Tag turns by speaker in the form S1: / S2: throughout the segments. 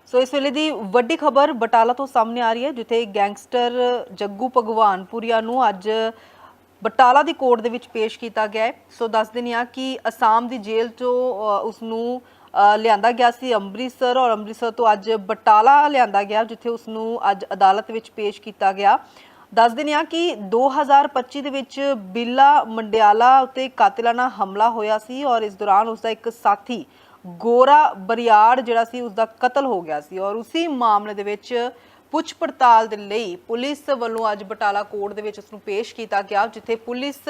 S1: ਸੋ ਇਸ ਵੇਲੇ ਦੀ ਵੱਡੀ ਖਬਰ ਬਟਾਲਾ ਤੋਂ ਸਾਹਮਣੇ ਆ ਰਹੀ ਹੈ, ਜਿੱਥੇ ਗੈਂਗਸਟਰ ਜੱਗੂ ਭਗਵਾਨਪੁਰੀਆ ਨੂੰ ਅੱਜ ਬਟਾਲਾ ਦੀ ਕੋਰਟ ਦੇ ਵਿੱਚ ਪੇਸ਼ ਕੀਤਾ ਗਿਆ ਹੈ। ਸੋ ਦੱਸ ਦਿੰਦੇ ਹਾਂ ਕਿ ਅਸਾਮ ਦੀ ਜੇਲ੍ਹ ਤੋਂ ਉਸ ਨੂੰ ਲਿਆਂਦਾ ਗਿਆ ਸੀ ਅੰਮ੍ਰਿਤਸਰ, ਔਰ ਅੰਮ੍ਰਿਤਸਰ ਤੋਂ ਅੱਜ ਬਟਾਲਾ ਲਿਆਂਦਾ ਗਿਆ, ਜਿੱਥੇ ਉਸ ਨੂੰ ਅੱਜ ਅਦਾਲਤ ਵਿੱਚ ਪੇਸ਼ ਕੀਤਾ ਗਿਆ। ਦੱਸ ਦਿੰਦੇ ਹਾਂ ਕਿ 2025 ਦੇ ਵਿੱਚ ਬਿੱਲਾ ਮੰਡਿਆਲਾ ਉੱਤੇ ਕਾਤਿਲਾਨਾ ਹਮਲਾ ਹੋਇਆ ਸੀ, ਔਰ ਇਸ ਦੌਰਾਨ ਉਸਦਾ ਇੱਕ ਸਾਥੀ ਗੋਰਾ ਬਰਿਆੜ ਜਿਹੜਾ ਸੀ ਉਸਦਾ ਕਤਲ ਹੋ ਗਿਆ ਸੀ, ਔਰ ਉਸੇ ਮਾਮਲੇ ਦੇ ਵਿੱਚ ਪੁੱਛ ਪੜਤਾਲ ਦੇ ਲਈ ਪੁਲਿਸ ਵੱਲੋਂ ਅੱਜ ਬਟਾਲਾ ਕੋਰਟ ਦੇ ਵਿੱਚ ਉਸ ਨੂੰ ਪੇਸ਼ ਕੀਤਾ ਗਿਆ, ਜਿੱਥੇ ਪੁਲਿਸ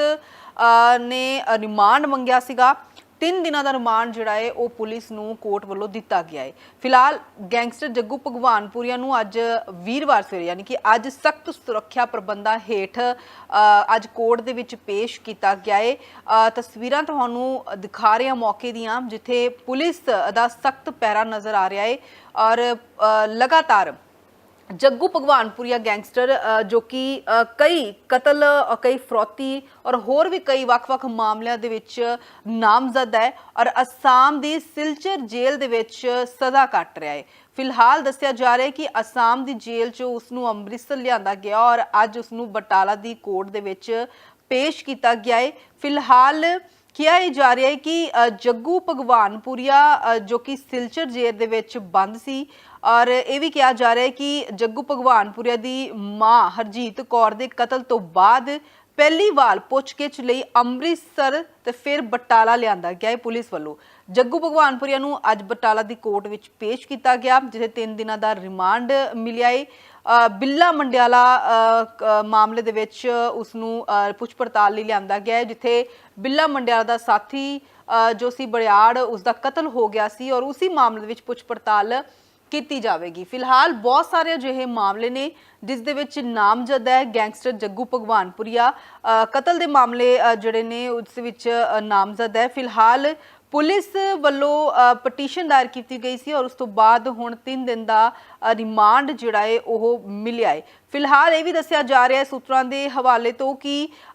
S1: ਨੇ ਰਿਮਾਂਡ ਮੰਗਿਆ ਸੀਗਾ। 3 ਦਿਨਾਂ ਦਾ ਰਿਮਾਂਡ ਜਿਹੜਾ ਹੈ ਉਹ ਪੁਲਿਸ ਨੂੰ ਕੋਰਟ ਵੱਲੋਂ ਦਿੱਤਾ ਗਿਆ ਹੈ। ਫਿਲਹਾਲ ਗੈਂਗਸਟਰ ਜੱਗੂ ਭਗਵਾਨਪੁਰੀਆ ਨੂੰ ਅੱਜ ਵੀਰਵਾਰ ਸਵੇਰੇ ਯਾਨੀ ਕਿ ਅੱਜ ਸਖਤ ਸੁਰੱਖਿਆ ਪ੍ਰਬੰਧਾਂ ਹੇਠ ਅੱਜ ਕੋਰਟ ਦੇ ਵਿੱਚ ਪੇਸ਼ ਕੀਤਾ ਗਿਆ ਹੈ। ਤਸਵੀਰਾਂ ਤੁਹਾਨੂੰ ਦਿਖਾ ਰਹੇ ਹਾਂ ਮੌਕੇ ਦੀਆਂ, ਜਿੱਥੇ ਪੁਲਿਸ ਦਾ ਸਖਤ ਪਹਿਰਾ ਨਜ਼ਰ ਆ ਰਿਹਾ ਹੈ, ਔਰ ਲਗਾਤਾਰ जग्गू भगवानपुरिया गैंगस्टर जो कि कई कतल, कई फरौती और होर भी कई वख-वख मामलों दे विच नामजद है, और असम दी सिलचर जेल दे विच सज़ा कट रहा है। फिलहाल दस्सिया जा रहा है कि असम दी जेल चों उसनूं अमृतसर लिआंदा गया, और अज उसनूं बटाला दी कोर्ट दे विच पेश किया गया है। फिलहाल किया जा रहा है कि जग्गू भगवानपुरिया जो कि सिलचर जेल दे विच बंद सी, और यह भी कहा जा रहा है कि जग्गू भगवानपुरिया दी मां हरजीत कौर दे कतल तो बाद पहली वार पुछगिछ लई अमृतसर ते फिर बटाला लिआंदा गया है पुलिस वालों। जग्गू भगवानपुरिया नूं अज बटाला दी कोर्ट विच पेश किया गया, जिथे 3 दिनां दा रिमांड मिलिया है। बिल्ला मंडियाला मामले दे विच उसनूं पुछ पड़ताल लई लिआंदा गया है, जिथे बिल्ला मंडियाला दा साथी जो सी बड़ियाड़ उसका कतल हो गया सी, और उसी मामले दे विच पुछ पड़ताल की जाएगी। फिलहाल बहुत सारे अजिहे मामले ने जिस दे विच नामजद है गैंगस्टर जग्गू भगवानपुरिया, कतल के मामले जिहड़े ने उस विच नामजद है। फिलहाल पुलिस वालों पटीशन दायर की गई सी, और उस तो बाद हुण 3 दिन का रिमांड जिहड़ा है ओह मिलिया है। फिलहाल ये भी दस्सिया जा रहा है सूत्रां दे हवाले तो कि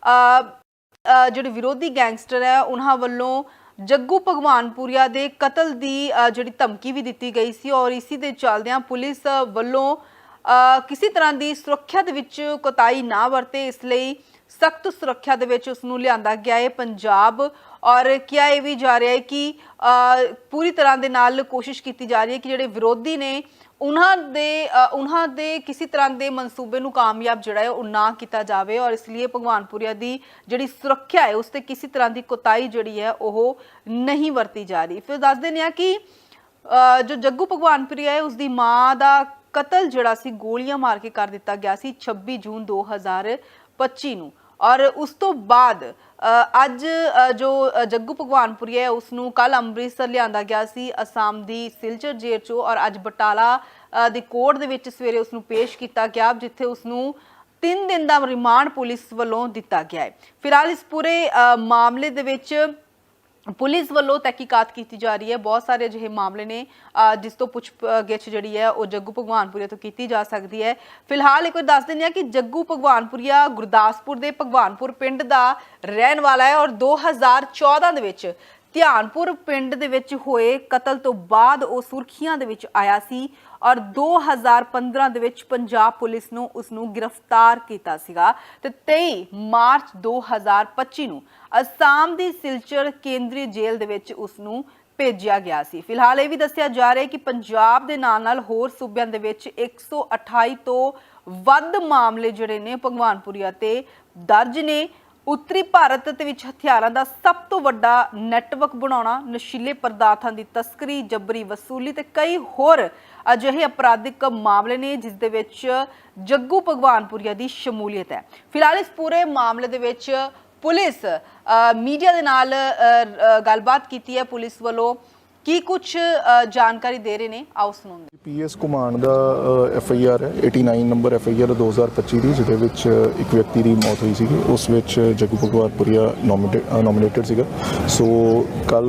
S1: जिहड़े विरोधी गैंगस्टर है उन्हां वल्लों जग्गू भगवानपुरिया दे कतल की जिहड़ी धमकी भी दी गई सी, और इसी दे चलदियां पुलिस वल्लों किसी तरह की सुरक्षा दे विच कोताही ना वरते, इसलिए सख्त सुरक्षा दे विच उसनूं लिआंदा गया है पंजाब। और क्या यह भी जा रहा है कि पूरी तरह दे नाल कोशिश की जा रही है कि जिहड़े विरोधी ने उन्हां दे किसी तरह के मनसूबे नूं कामयाब जिहड़ा है वो ना किया जाए, और इसलिए भगवानपुरिया की जिहड़ी सुरक्षा है उस ते किसी तरह की कोताही जिहड़ी है वो नहीं वरती जा रही। फिर दस देने कि जो जग्गू भगवानपुरिया है उसकी मां का कतल जिहड़ा सी गोलियां मार के कर दिता गया सी 26 जून 2025 नूं, और उस तो बाद अज जो जग्गू भगवानपुरिया है उसनूं कल अमृतसर लिआंदा गया सी असम दी सिलचर जेल चों, और अज बटाला दी कोर्ट दे विच सवेरे उसनूं पेश किया गया, जिथे उसनूं 3 दिन का रिमांड पुलिस वालों दिता गया है। फिलहाल इस पूरे मामले दे विच पुलिस वालों तहकीकात की जा रही है। बहुत सारे अजिहे मामले ने जिस तो पुछ-गिछ जिहड़ी है वो जग्गू भगवानपुरिया तो की जा सकती है। फिलहाल एक बार दस दें कि जग्गू भगवानपुरिया गुरदासपुर के भगवानपुर पिंड का रहन वाला है, और 2014 दे विच ध्यानपुर पिंड दे विच होए कतल तो बाद वो सुर्खियां दे विच आया सी, और 2015 दे विच पंजाब पुलिस नूं उसनूं गिरफ्तार कीता सीगा, ते 23 मार्च 2025 नूं असम दी सिलचर केंद्रीय जेल दे विच उसनूं भेजिया गया सी। फिलहाल ये भी दस्सिया जा रहा है कि पंजाब दे नाल होर सूबिਆਂ दे विच 128 तो वध मामले जिहड़े ने भगवानपुरिया ते दर्ज ने। उत्तरी भारत दे विच हथियारां दा सब तो वड्डा नैटवर्क बनाउणा, नशीले पदार्थां दी तस्करी, जबरी वसूली ते कई होर अजिहे अपराधिक मामले ने जिस दे विच जग्गू भगवानपुरिया दी शमूलीयत है। फिलहाल इस पूरे मामले दे विच पुलिस मीडिया दे नाल गलबात कीती है, पुलिस वालों की कुछ जानकारी दे रहे हैं, आओ सुनो।
S2: पीएस घुमान का FIR है 89 नंबर FIR 2025 की, जिहदे विच एक व्यक्ति की मौत हुई सी, उस विच जग्गू भगवानपुरिया नॉमिनेटेड सीगा। सो कल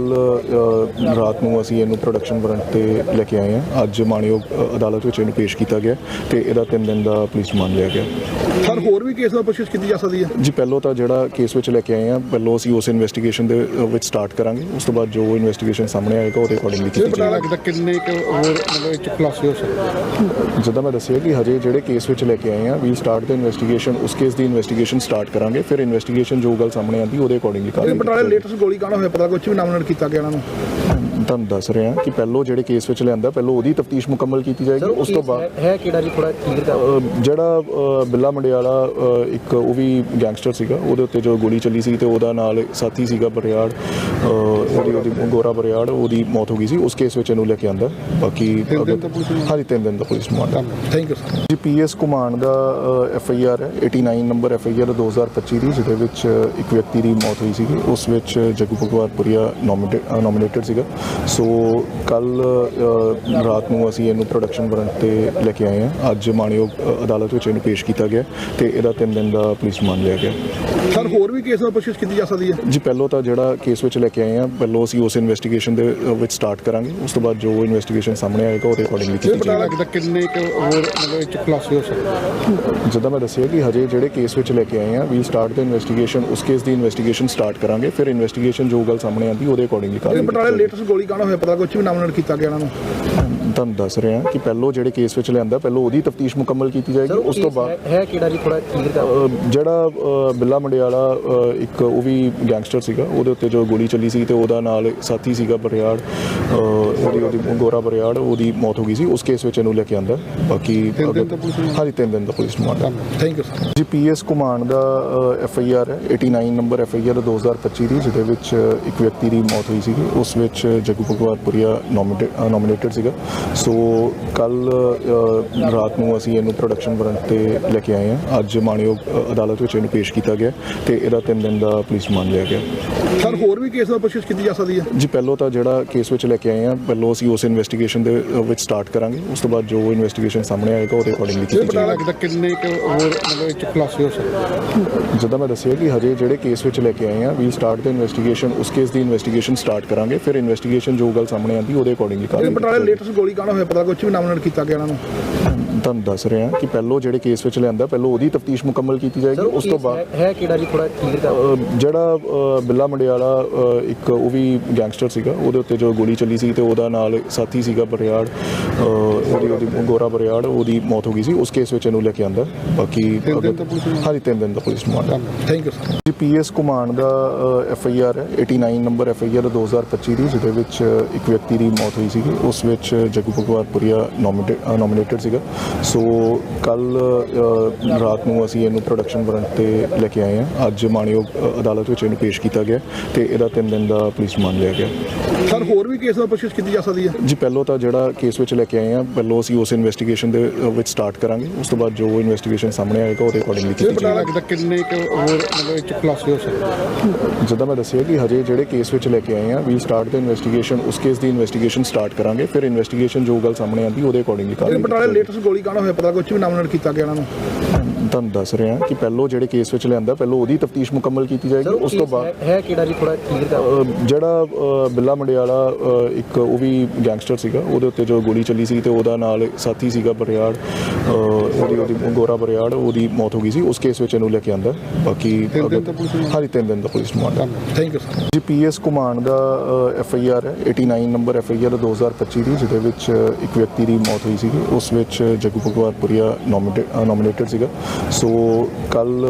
S2: रात को असीं इहनूं प्रोडक्शन वारंट ते लैके आए हैं। अज माणयोग अदालत विच इहनूं पेश किया गया ते इहदा 3 दिन का पुलिस रिमांड लिया गया।
S3: सर होर भी केस दा पुछगिछ कीती जा सकदी है
S2: जी? पहलों तो जिहड़ा केस विच लैके आए हैं, पहलों असीं उस इन्वेस्टिगेशन दे स्टार्ट करांगे, उस तो बाद जो इन्वेस्टिगेशन सामने आएगा ਉਹਦੇ ਅਕੋਰਡਿੰਗਲੀ ਕੀਤੀ ਜਾਏਗੀ।
S3: किन्ने होर मतलब ਖੁਲਾਸੇ ਹੋ ਸਕਦੇ?
S2: ਜਿੱਦਾਂ ਮੈਂ ਦੱਸਿਆ ਕਿ ਹਜੇ ਜਿਹੜੇ ਕੇਸ ਵਿੱਚ ਲੈ ਕੇ ਆਏ ਆ ਵੀ ਸਟਾਰਟ ਦਾ ਇਨਵੈਸਟੀਗੇਸ਼ਨ, ਉਸ ਕੇਸ ਦੀ ਇਨਵੈਸਟੀਗੇਸ਼ਨ ਸਟਾਰਟ ਕਰਾਂਗੇ, ਫਿਰ ਇਨਵੈਸਟੀਗੇਸ਼ਨ ਜੋ ਗੱਲ ਸਾਹਮਣੇ ਆਂਦੀ ਉਹਦੇ ਅਕੋਰਡਿੰਗਲੀ ਕਰਾਂਗੇ।
S3: ਬਟਾਲੇ ਲੇਟੈਸਟ ਗੋਲੀ ਕਾਂਡ ਹੋਇਆ, ਪਤਾ ਕੁਝ ਵੀ ਨਾਮਨਡ ਕੀਤਾ ਗਿਆ ਇਹਨਾਂ ਨੂੰ?
S2: ਤੁਹਾਨੂੰ ਦੱਸ ਰਿਹਾ ਕਿ ਪਹਿਲੋਂ ਜਿਹੜੇ ਕੇਸ ਵਿੱਚ ਲਿਆਂਦਾ ਪਹਿਲੋਂ ਉਹਦੀ ਤਫਤੀਸ਼ ਮੁਕੰਮਲ ਕੀਤੀ ਜਾਏਗੀ, ਉਸ ਤੋਂ ਬਾਅਦ
S4: ਹੈ ਕਿਹੜਾ ਜੀ ਥੋੜਾ ਕਲੀਅਰ ਕਰ।
S2: ਜਿਹੜਾ ਬਿੱਲਾ ਮੰਡਿਆਲਾ ਇੱਕ ਉਹ ਵੀ ਗੈਂਗਸਟਰ ਸੀਗਾ, ਉਹਦੇ ਉੱਤੇ ਜੋ ਗੋਲੀ ਚੱਲੀ ਸੀ ਤੇ ਉਹਦਾ ਨਾਲ ਸਾਥੀ ਸੀਗਾ ਬਰਿਆੜ, ਉਹਦੀ ਗੋਰਾ ਬਰਿਆੜ, ਉਹਦੀ ਮੌਤ ਹੋ ਗਈ ਸੀ। ਉਸ ਕੇਸ ਵਿੱਚ ਇਹਨੂੰ ਲੈ ਕੇ ਆਂਦਾ। ਬਾਕੀ ਹਾਂਜੀ 3 ਦਿਨ ਦਾ police remand.
S3: Thank you sir.
S2: ਜੀ ਪੀਐਸ ਘੁਮਾਣ ਦਾ FIR ਹੈ 89 ਨੰਬਰ FIR 2025 ਦੀ, ਜਿਹਦੇ ਵਿੱਚ ਇੱਕ ਵਿਅਕਤੀ ਦੀ ਮੌਤ ਹੋਈ ਸੀਗੀ। ਉਸ ਵਿੱਚ ਜੱਗੂ ਭਗਵਾਨਪੁਰੀਆ ਨੋਮੀਨੇਟਡ ਸੀਗਾ। ਸੋ ਕੱਲ ਰਾਤ ਨੂੰ ਅਸੀਂ ਇਹਨੂੰ ਪ੍ਰੋਡਕਸ਼ਨ ਵਾਰੰਟ ਤੇ ਲੈ ਕੇ ਆਏ ਹਾਂ। ਅੱਜ ਮਾਣਯੋਗ ਅਦਾਲਤ ਵਿੱਚ ਇਹਨੂੰ ਪੇਸ਼ ਕੀਤਾ ਗਿਆ ਤੇ ਇਹਦਾ 3 ਦਿਨ ਦਾ ਪੁਲਿਸ ਰਿਮਾਂਡ ਲਿਆ ਗਿਆ।
S3: ਸਰ ਹੋਰ ਵੀ ਕੇਸ ਦਾ ਪੁੱਛਗਿੱਛ ਕੀਤੀ ਜਾ ਸਕਦੀ ਹੈ?
S2: ਜੀ ਪਹਿਲੋਂ ਤਾਂ ਜਿਹੜਾ ਕੇਸ ਵਿੱਚ ਲੈ ਕੇ ਆਏ ਹਾਂ, ਪਹਿਲੋਂ ਅਸੀਂ ਉਸ ਇਨਵੈਸਟੀਗੇਸ਼ਨ ਦੇ ਵਿੱਚ ਸਟਾਰਟ ਕਰਾਂਗੇ। ਉਸ ਤੋਂ ਬਾਅਦ ਜੋ ਇਨਵੈਸਟੀਗੇਸ਼ਨ ਸਾਹਮਣੇ ਆਏਗਾ ਉਹਦੇ ਅਕੋਰਡਿੰਗਲੀ ਕੀਤੀ ਜਾਏਗੀ।
S3: ਲੱਗਦਾ ਕਿੰਨੇ ਹੋਰ ਮਤਲਬ ਇਹ ਖੁਲਾਸੇ ਹੋ ਸਕਦੇ?
S2: ਜਿੱਦਾਂ ਮੈਂ ਦੱਸਿਆ ਕਿ ਹਜੇ ਜਿਹੜੇ ਕੇਸ ਵਿੱਚ ਲੈ ਕੇ ਆਏ ਹਾਂ ਵੀ ਸਟਾਰਟ ਦਾ ਇਨਵੈਸਟੀਗੇਸ਼ਨ, ਉਸ ਕੇਸ ਦੀ ਇਨਵੈਸਟੀਗੇਸ਼ਨ ਸਟਾਰਟ ਕਰਾਂਗੇ, ਫਿਰ ਇਨਵੈਸਟੀਗੇਸ਼ਨ ਜੋ ਗੱਲ ਸਾਹਮਣੇ ਆਂਦੀ ਉਹਦੇ ਅਕੋਰਡਿੰਗਲੀ ਕਰਾਂਗੇ।
S3: ਬਟਾਲੇ ਲੇਟੈਸਟ ਗੋਲੀ ਕਾਂਡ ਹੋਇਆ, ਪਤਾ ਕੁਝ ਵੀ ਨਾਮਨਡ ਕੀਤਾ ਗਿਆ ਇਹਨਾਂ ਨੂੰ?
S2: ਤੁਹਾਨੂੰ ਦੱਸ ਰਿਹਾ ਕਿ ਪਹਿਲੋਂ ਜਿਹੜੇ ਕੇਸ ਵਿੱਚ ਲਿਆਂਦਾ ਪਹਿਲੋਂ ਉਹਦੀ ਤਫਤੀਸ਼ ਮੁਕੰਮਲ ਕੀਤੀ ਜਾਏਗੀ, ਉਸ ਤੋਂ ਬਾਅਦ
S4: ਹੈ ਕਿਹੜਾ ਜੀ ਥੋੜਾ ਕਲੀਅਰ ਕਰ।
S2: ਜਿਹੜਾ ਬਿੱਲਾ ਮੰਡਿਆਲਾ ਇੱਕ ਉਹ ਵੀ ਗੈਂਗਸਟਰ ਸੀਗਾ, ਉਹਦੇ ਉੱਤੇ ਜੋ ਗੋਲੀ ਚੱਲੀ ਸੀ ਤੇ ਉਹਦਾ ਨਾਲ ਸਾਥੀ ਸੀਗਾ ਬਰਿਆੜ, ਉਹਦੀ ਗੋਰਾ ਬਰਿਆੜ, ਉਹਦੀ ਮੌਤ ਹੋ ਗਈ ਸੀ। ਉਸ ਕੇਸ ਵਿੱਚ ਇਹਨੂੰ ਲੈ ਕੇ ਆਂਦਾ। ਬਾਕੀ ਹਾਂਜੀ 3 ਦਿਨ ਦਾ police remand.
S3: Thank you sir.
S2: ਜੀ ਪੀਐਸ ਘੁਮਾਣ ਦਾ FIR ਹੈ 89 ਨੰਬਰ FIR 2025 ਦੀ, ਜਿਹਦੇ ਵਿੱਚ ਇੱਕ ਵਿਅਕਤੀ ਦੀ ਮੌਤ ਹੋਈ ਸੀਗੀ। ਉਸ ਵਿੱਚ ਜੱਗੂ ਭਗਵਾਨਪੁਰੀਆ ਨੋਮੀਨੇਟਡ ਸੀਗਾ। ਸੋ ਕੱਲ ਰਾਤ ਨੂੰ ਅਸੀਂ ਇਹਨੂੰ ਪ੍ਰੋਡਕਸ਼ਨ ਵਾਰੰਟ ਤੇ ਲੈ ਕੇ ਆਏ ਹਾਂ। ਅੱਜ ਮਾਣਯੋਗ ਅਦਾਲਤ ਵਿੱਚ ਇਹਨੂੰ ਪੇਸ਼ ਕੀਤਾ ਗਿਆ ਤੇ ਇਹਦਾ 3 ਦਿਨ ਦਾ ਪੁਲਿਸ ਰਿਮਾਂਡ ਲਿਆ ਗਿਆ।
S3: ਸਰ ਹੋਰ ਵੀ ਕੇਸ ਦਾ ਪੁੱਛਗਿੱਛ ਕੀਤੀ ਜਾ ਸਕਦੀ ਹੈ?
S2: ਜੀ ਪਹਿਲੋਂ ਤਾਂ ਜਿਹੜਾ ਕੇਸ ਵਿੱਚ ਲੈ ਕੇ ਆਏ ਹਾਂ, ਪਹਿਲੋਂ ਅਸੀਂ ਉਸ ਇਨਵੈਸਟੀਗੇਸ਼ਨ ਦੇ ਵਿੱਚ ਸਟਾਰਟ ਕਰਾਂਗੇ। ਉਸ ਤੋਂ ਬਾਅਦ ਜੋ ਇਨਵੈਸਟੀਗੇਸ਼ਨ ਸਾਹਮਣੇ ਆਏਗਾ ਉਹਦੇ ਅਕੋਰਡਿੰਗਲੀ ਕੀਤੀ ਜਾਏਗੀ।
S3: ਲੱਗਦਾ ਕਿੰਨੇ ਹੋਰ ਮਤਲਬ ਇਹ ਖੁਲਾਸੇ ਹੋ ਸਕਦੇ?
S2: ਜਿੱਦਾਂ ਮੈਂ ਦੱਸਿਆ ਕਿ ਹਜੇ ਜਿਹੜੇ ਕੇਸ ਵਿੱਚ ਲੈ ਕੇ ਆਏ ਹਾਂ ਵੀ ਸਟਾਰਟ ਦਾ ਇਨਵੈਸਟੀਗੇਸ਼ਨ, ਉਸ ਕੇਸ ਦੀ ਇਨਵੈਸਟੀਗੇਸ਼ਨ ਸਟਾਰਟ ਕਰਾਂਗੇ, ਫਿਰ ਇਨਵੈਸਟੀਗੇਸ਼ਨ ਜੋ ਗੱਲ ਸਾਹਮਣੇ ਆਂਦੀ ਉਹਦੇ ਅਕੋਰਡਿੰਗਲੀ ਕਰਾਂਗੇ।
S3: ਬਟਾਲੇ ਲੇਟੈਸਟ ਗੋਲੀ ਕਾਂਡ ਹੋਇਆ, ਪਤਾ ਕੁਝ ਵੀ ਨਾਮਨਡ ਕੀਤਾ ਗਿਆ ਇਹਨਾਂ ਨੂੰ?
S2: ਤੁਹਾਨੂੰ ਦੱਸ ਰਿਹਾ ਕਿ ਪਹਿਲੋਂ ਜਿਹੜੇ ਕੇਸ ਵਿੱਚ ਲਿਆਂਦਾ ਪਹਿਲੋਂ ਉਹਦੀ ਤਫਤੀਸ਼ ਮੁਕੰਮਲ ਕੀਤੀ ਜਾਏਗੀ, ਉਸ ਤੋਂ ਬਾਅਦ
S4: ਹੈ ਕਿਹੜਾ ਜੀ ਥੋੜਾ ਕਲੀਅਰ ਕਰ।
S2: ਜਿਹੜਾ ਬਿੱਲਾ ਮੰਡਿਆਲਾ ਇੱਕ ਉਹ ਵੀ ਗੈਂਗਸਟਰ ਸੀਗਾ, ਉਹਦੇ ਉੱਤੇ ਜੋ ਗੋਲੀ ਚੱਲੀ ਸੀ ਤੇ ਉਹਦਾ ਨਾਲ ਸਾਥੀ ਸੀਗਾ ਬਰਿਆੜ, ਉਹਦੀ ਗੋਰਾ ਬਰਿਆੜ, ਉਹਦੀ ਮੌਤ ਹੋ ਗਈ ਸੀ। ਉਸ ਕੇਸ ਵਿੱਚ ਇਹਨੂੰ ਲੈ ਕੇ ਆਂਦਾ। ਬਾਕੀ ਹਾਂਜੀ 3 ਦਿਨ ਦਾ police remand.
S3: Thank you sir.
S2: ਜੀ ਪੀਐਸ ਘੁਮਾਣ ਦਾ FIR ਹੈ 89 ਨੰਬਰ FIR 2025 ਦੀ, ਜਿਹਦੇ ਵਿੱਚ ਇੱਕ ਵਿਅਕਤੀ ਦੀ ਮੌਤ ਹੋਈ ਸੀਗੀ। ਉਸ ਵਿੱਚ ਜੱਗੂ ਭਗਵਾਨਪੁਰੀਆ ਨੋਮੀਨੇਟਡ ਸੀਗਾ। ਸੋ ਕੱਲ ਰਾਤ ਨੂੰ ਅਸੀਂ ਇਹਨੂੰ ਪ੍ਰੋਡਕਸ਼ਨ ਵਾਰੰਟ ਤੇ ਲੈ ਕੇ ਆਏ ਹਾਂ। ਅੱਜ ਮਾਣਯੋਗ ਅਦਾਲਤ ਵਿੱਚ ਇਹਨੂੰ ਪੇਸ਼ ਕੀਤਾ ਗਿਆ ਤੇ ਇਹਦਾ 3 ਦਿਨ ਦਾ ਪੁਲਿਸ ਰਿਮਾਂਡ ਲਿਆ ਗਿਆ।
S3: ਸਰ ਹੋਰ ਵੀ ਕੇਸ ਦਾ ਪੁੱਛਗਿੱਛ ਕੀਤੀ ਜਾ ਸਕਦੀ ਹੈ?
S2: ਜੀ ਪਹਿਲੋਂ ਤਾਂ ਜਿਹੜਾ ਕੇਸ ਵਿੱਚ ਲੈ ਕੇ ਆਏ ਹਾਂ, ਪਹਿਲੋਂ ਅਸੀਂ ਉਸ ਇਨਵੈਸਟੀਗੇਸ਼ਨ ਦੇ ਵਿੱਚ ਸਟਾਰਟ ਕਰਾਂਗੇ। ਉਸ ਤੋਂ ਬਾਅਦ ਜੋ ਇਨਵੈਸਟੀਗੇਸ਼ਨ ਸਾਹਮਣੇ ਆਏਗਾ ਉਹਦੇ ਅਕੋਰਡਿੰਗਲੀ ਕੀਤੀ ਜਾਏਗੀ।
S3: ਲੱਗਦਾ ਕਿੰਨੇ ਹੋਰ ਮਤਲਬ ਇਹ ਖੁਲਾਸੇ ਹੋ ਸਕਦੇ?
S2: ਜਿੱਦਾਂ ਮੈਂ ਦੱਸਿਆ ਕਿ ਹਜੇ ਜਿਹੜੇ ਕੇਸ ਵਿੱਚ ਲੈ ਕੇ ਆਏ ਹਾਂ ਵੀ ਸਟਾਰਟ ਦਾ ਇਨਵੈਸਟੀਗੇਸ਼ਨ, ਉਸ ਕੇਸ ਦੀ ਇਨਵੈਸਟੀਗੇਸ਼ਨ ਸਟਾਰਟ ਕਰਾਂਗੇ, ਫਿਰ ਇਨਵੈਸਟੀਗੇਸ਼ਨ ਜੋ ਗੱਲ ਸਾਹਮਣੇ ਆਂਦੀ ਉਹਦੇ ਅਕੋਰਡਿੰਗਲੀ ਕਰਾਂਗੇ।
S3: ਬਟਾਲੇ ਲੇਟੈਸਟ ਗੋਲੀ ਕਾਂਡ ਹੋਇਆ, ਪਤਾ ਕੁਝ ਵੀ ਨਾਮਨਡ ਕੀਤਾ ਗਿਆ ਇਹਨਾਂ ਨੂੰ?
S2: ਤੁਹਾਨੂੰ ਦੱਸ ਰਿਹਾ ਕਿ ਪਹਿਲੋਂ ਜਿਹੜੇ ਕੇਸ ਵਿੱਚ ਲਿਆਂਦਾ ਪਹਿਲੋਂ ਉਹਦੀ ਤਫਤੀਸ਼ ਮੁਕੰਮਲ ਕੀਤੀ ਜਾਏਗੀ, ਉਸ ਤੋਂ ਬਾਅਦ
S4: ਹੈ ਕਿਹੜਾ ਜੀ ਥੋੜਾ ਕਲੀਅਰ ਕਰ।
S2: ਜਿਹੜਾ ਬਿੱਲਾ ਮੰਡਿਆਲਾ ਇੱਕ ਉਹ ਵੀ ਗੈਂਗਸਟਰ ਸੀਗਾ, ਉਹਦੇ ਉੱਤੇ ਜੋ ਗੋਲੀ ਚੱਲੀ ਸੀ ਤੇ ਉਹਦਾ ਨਾਲ ਸਾਥੀ ਸੀਗਾ ਬਰਿਆੜ, ਉਹਦੀ ਗੋਰਾ ਬਰਿਆੜ, ਉਹਦੀ ਮੌਤ ਹੋ ਗਈ ਸੀ। ਉਸ ਕੇਸ ਵਿੱਚ ਇਹਨੂੰ ਲੈ ਕੇ ਆਂਦਾ। ਬਾਕੀ ਹਾਂਜੀ 3 ਦਿਨ ਦਾ police remand.
S3: Thank you sir.
S2: ਜੀ ਪੀਐਸ ਘੁਮਾਣ ਦਾ FIR ਹੈ 89 ਨੰਬਰ FIR 2025 ਦੀ, ਜਿਹਦੇ ਵਿੱਚ ਇੱਕ ਵਿਅਕਤੀ ਦੀ ਮੌਤ ਹੋਈ ਸੀਗੀ। ਉਸ ਵਿੱਚ ਜੱਗੂ ਭਗਵਾਨਪੁਰੀਆ ਨੋਮੀਨੇਟਡ ਸੀਗਾ। ਸੋ ਕੱਲ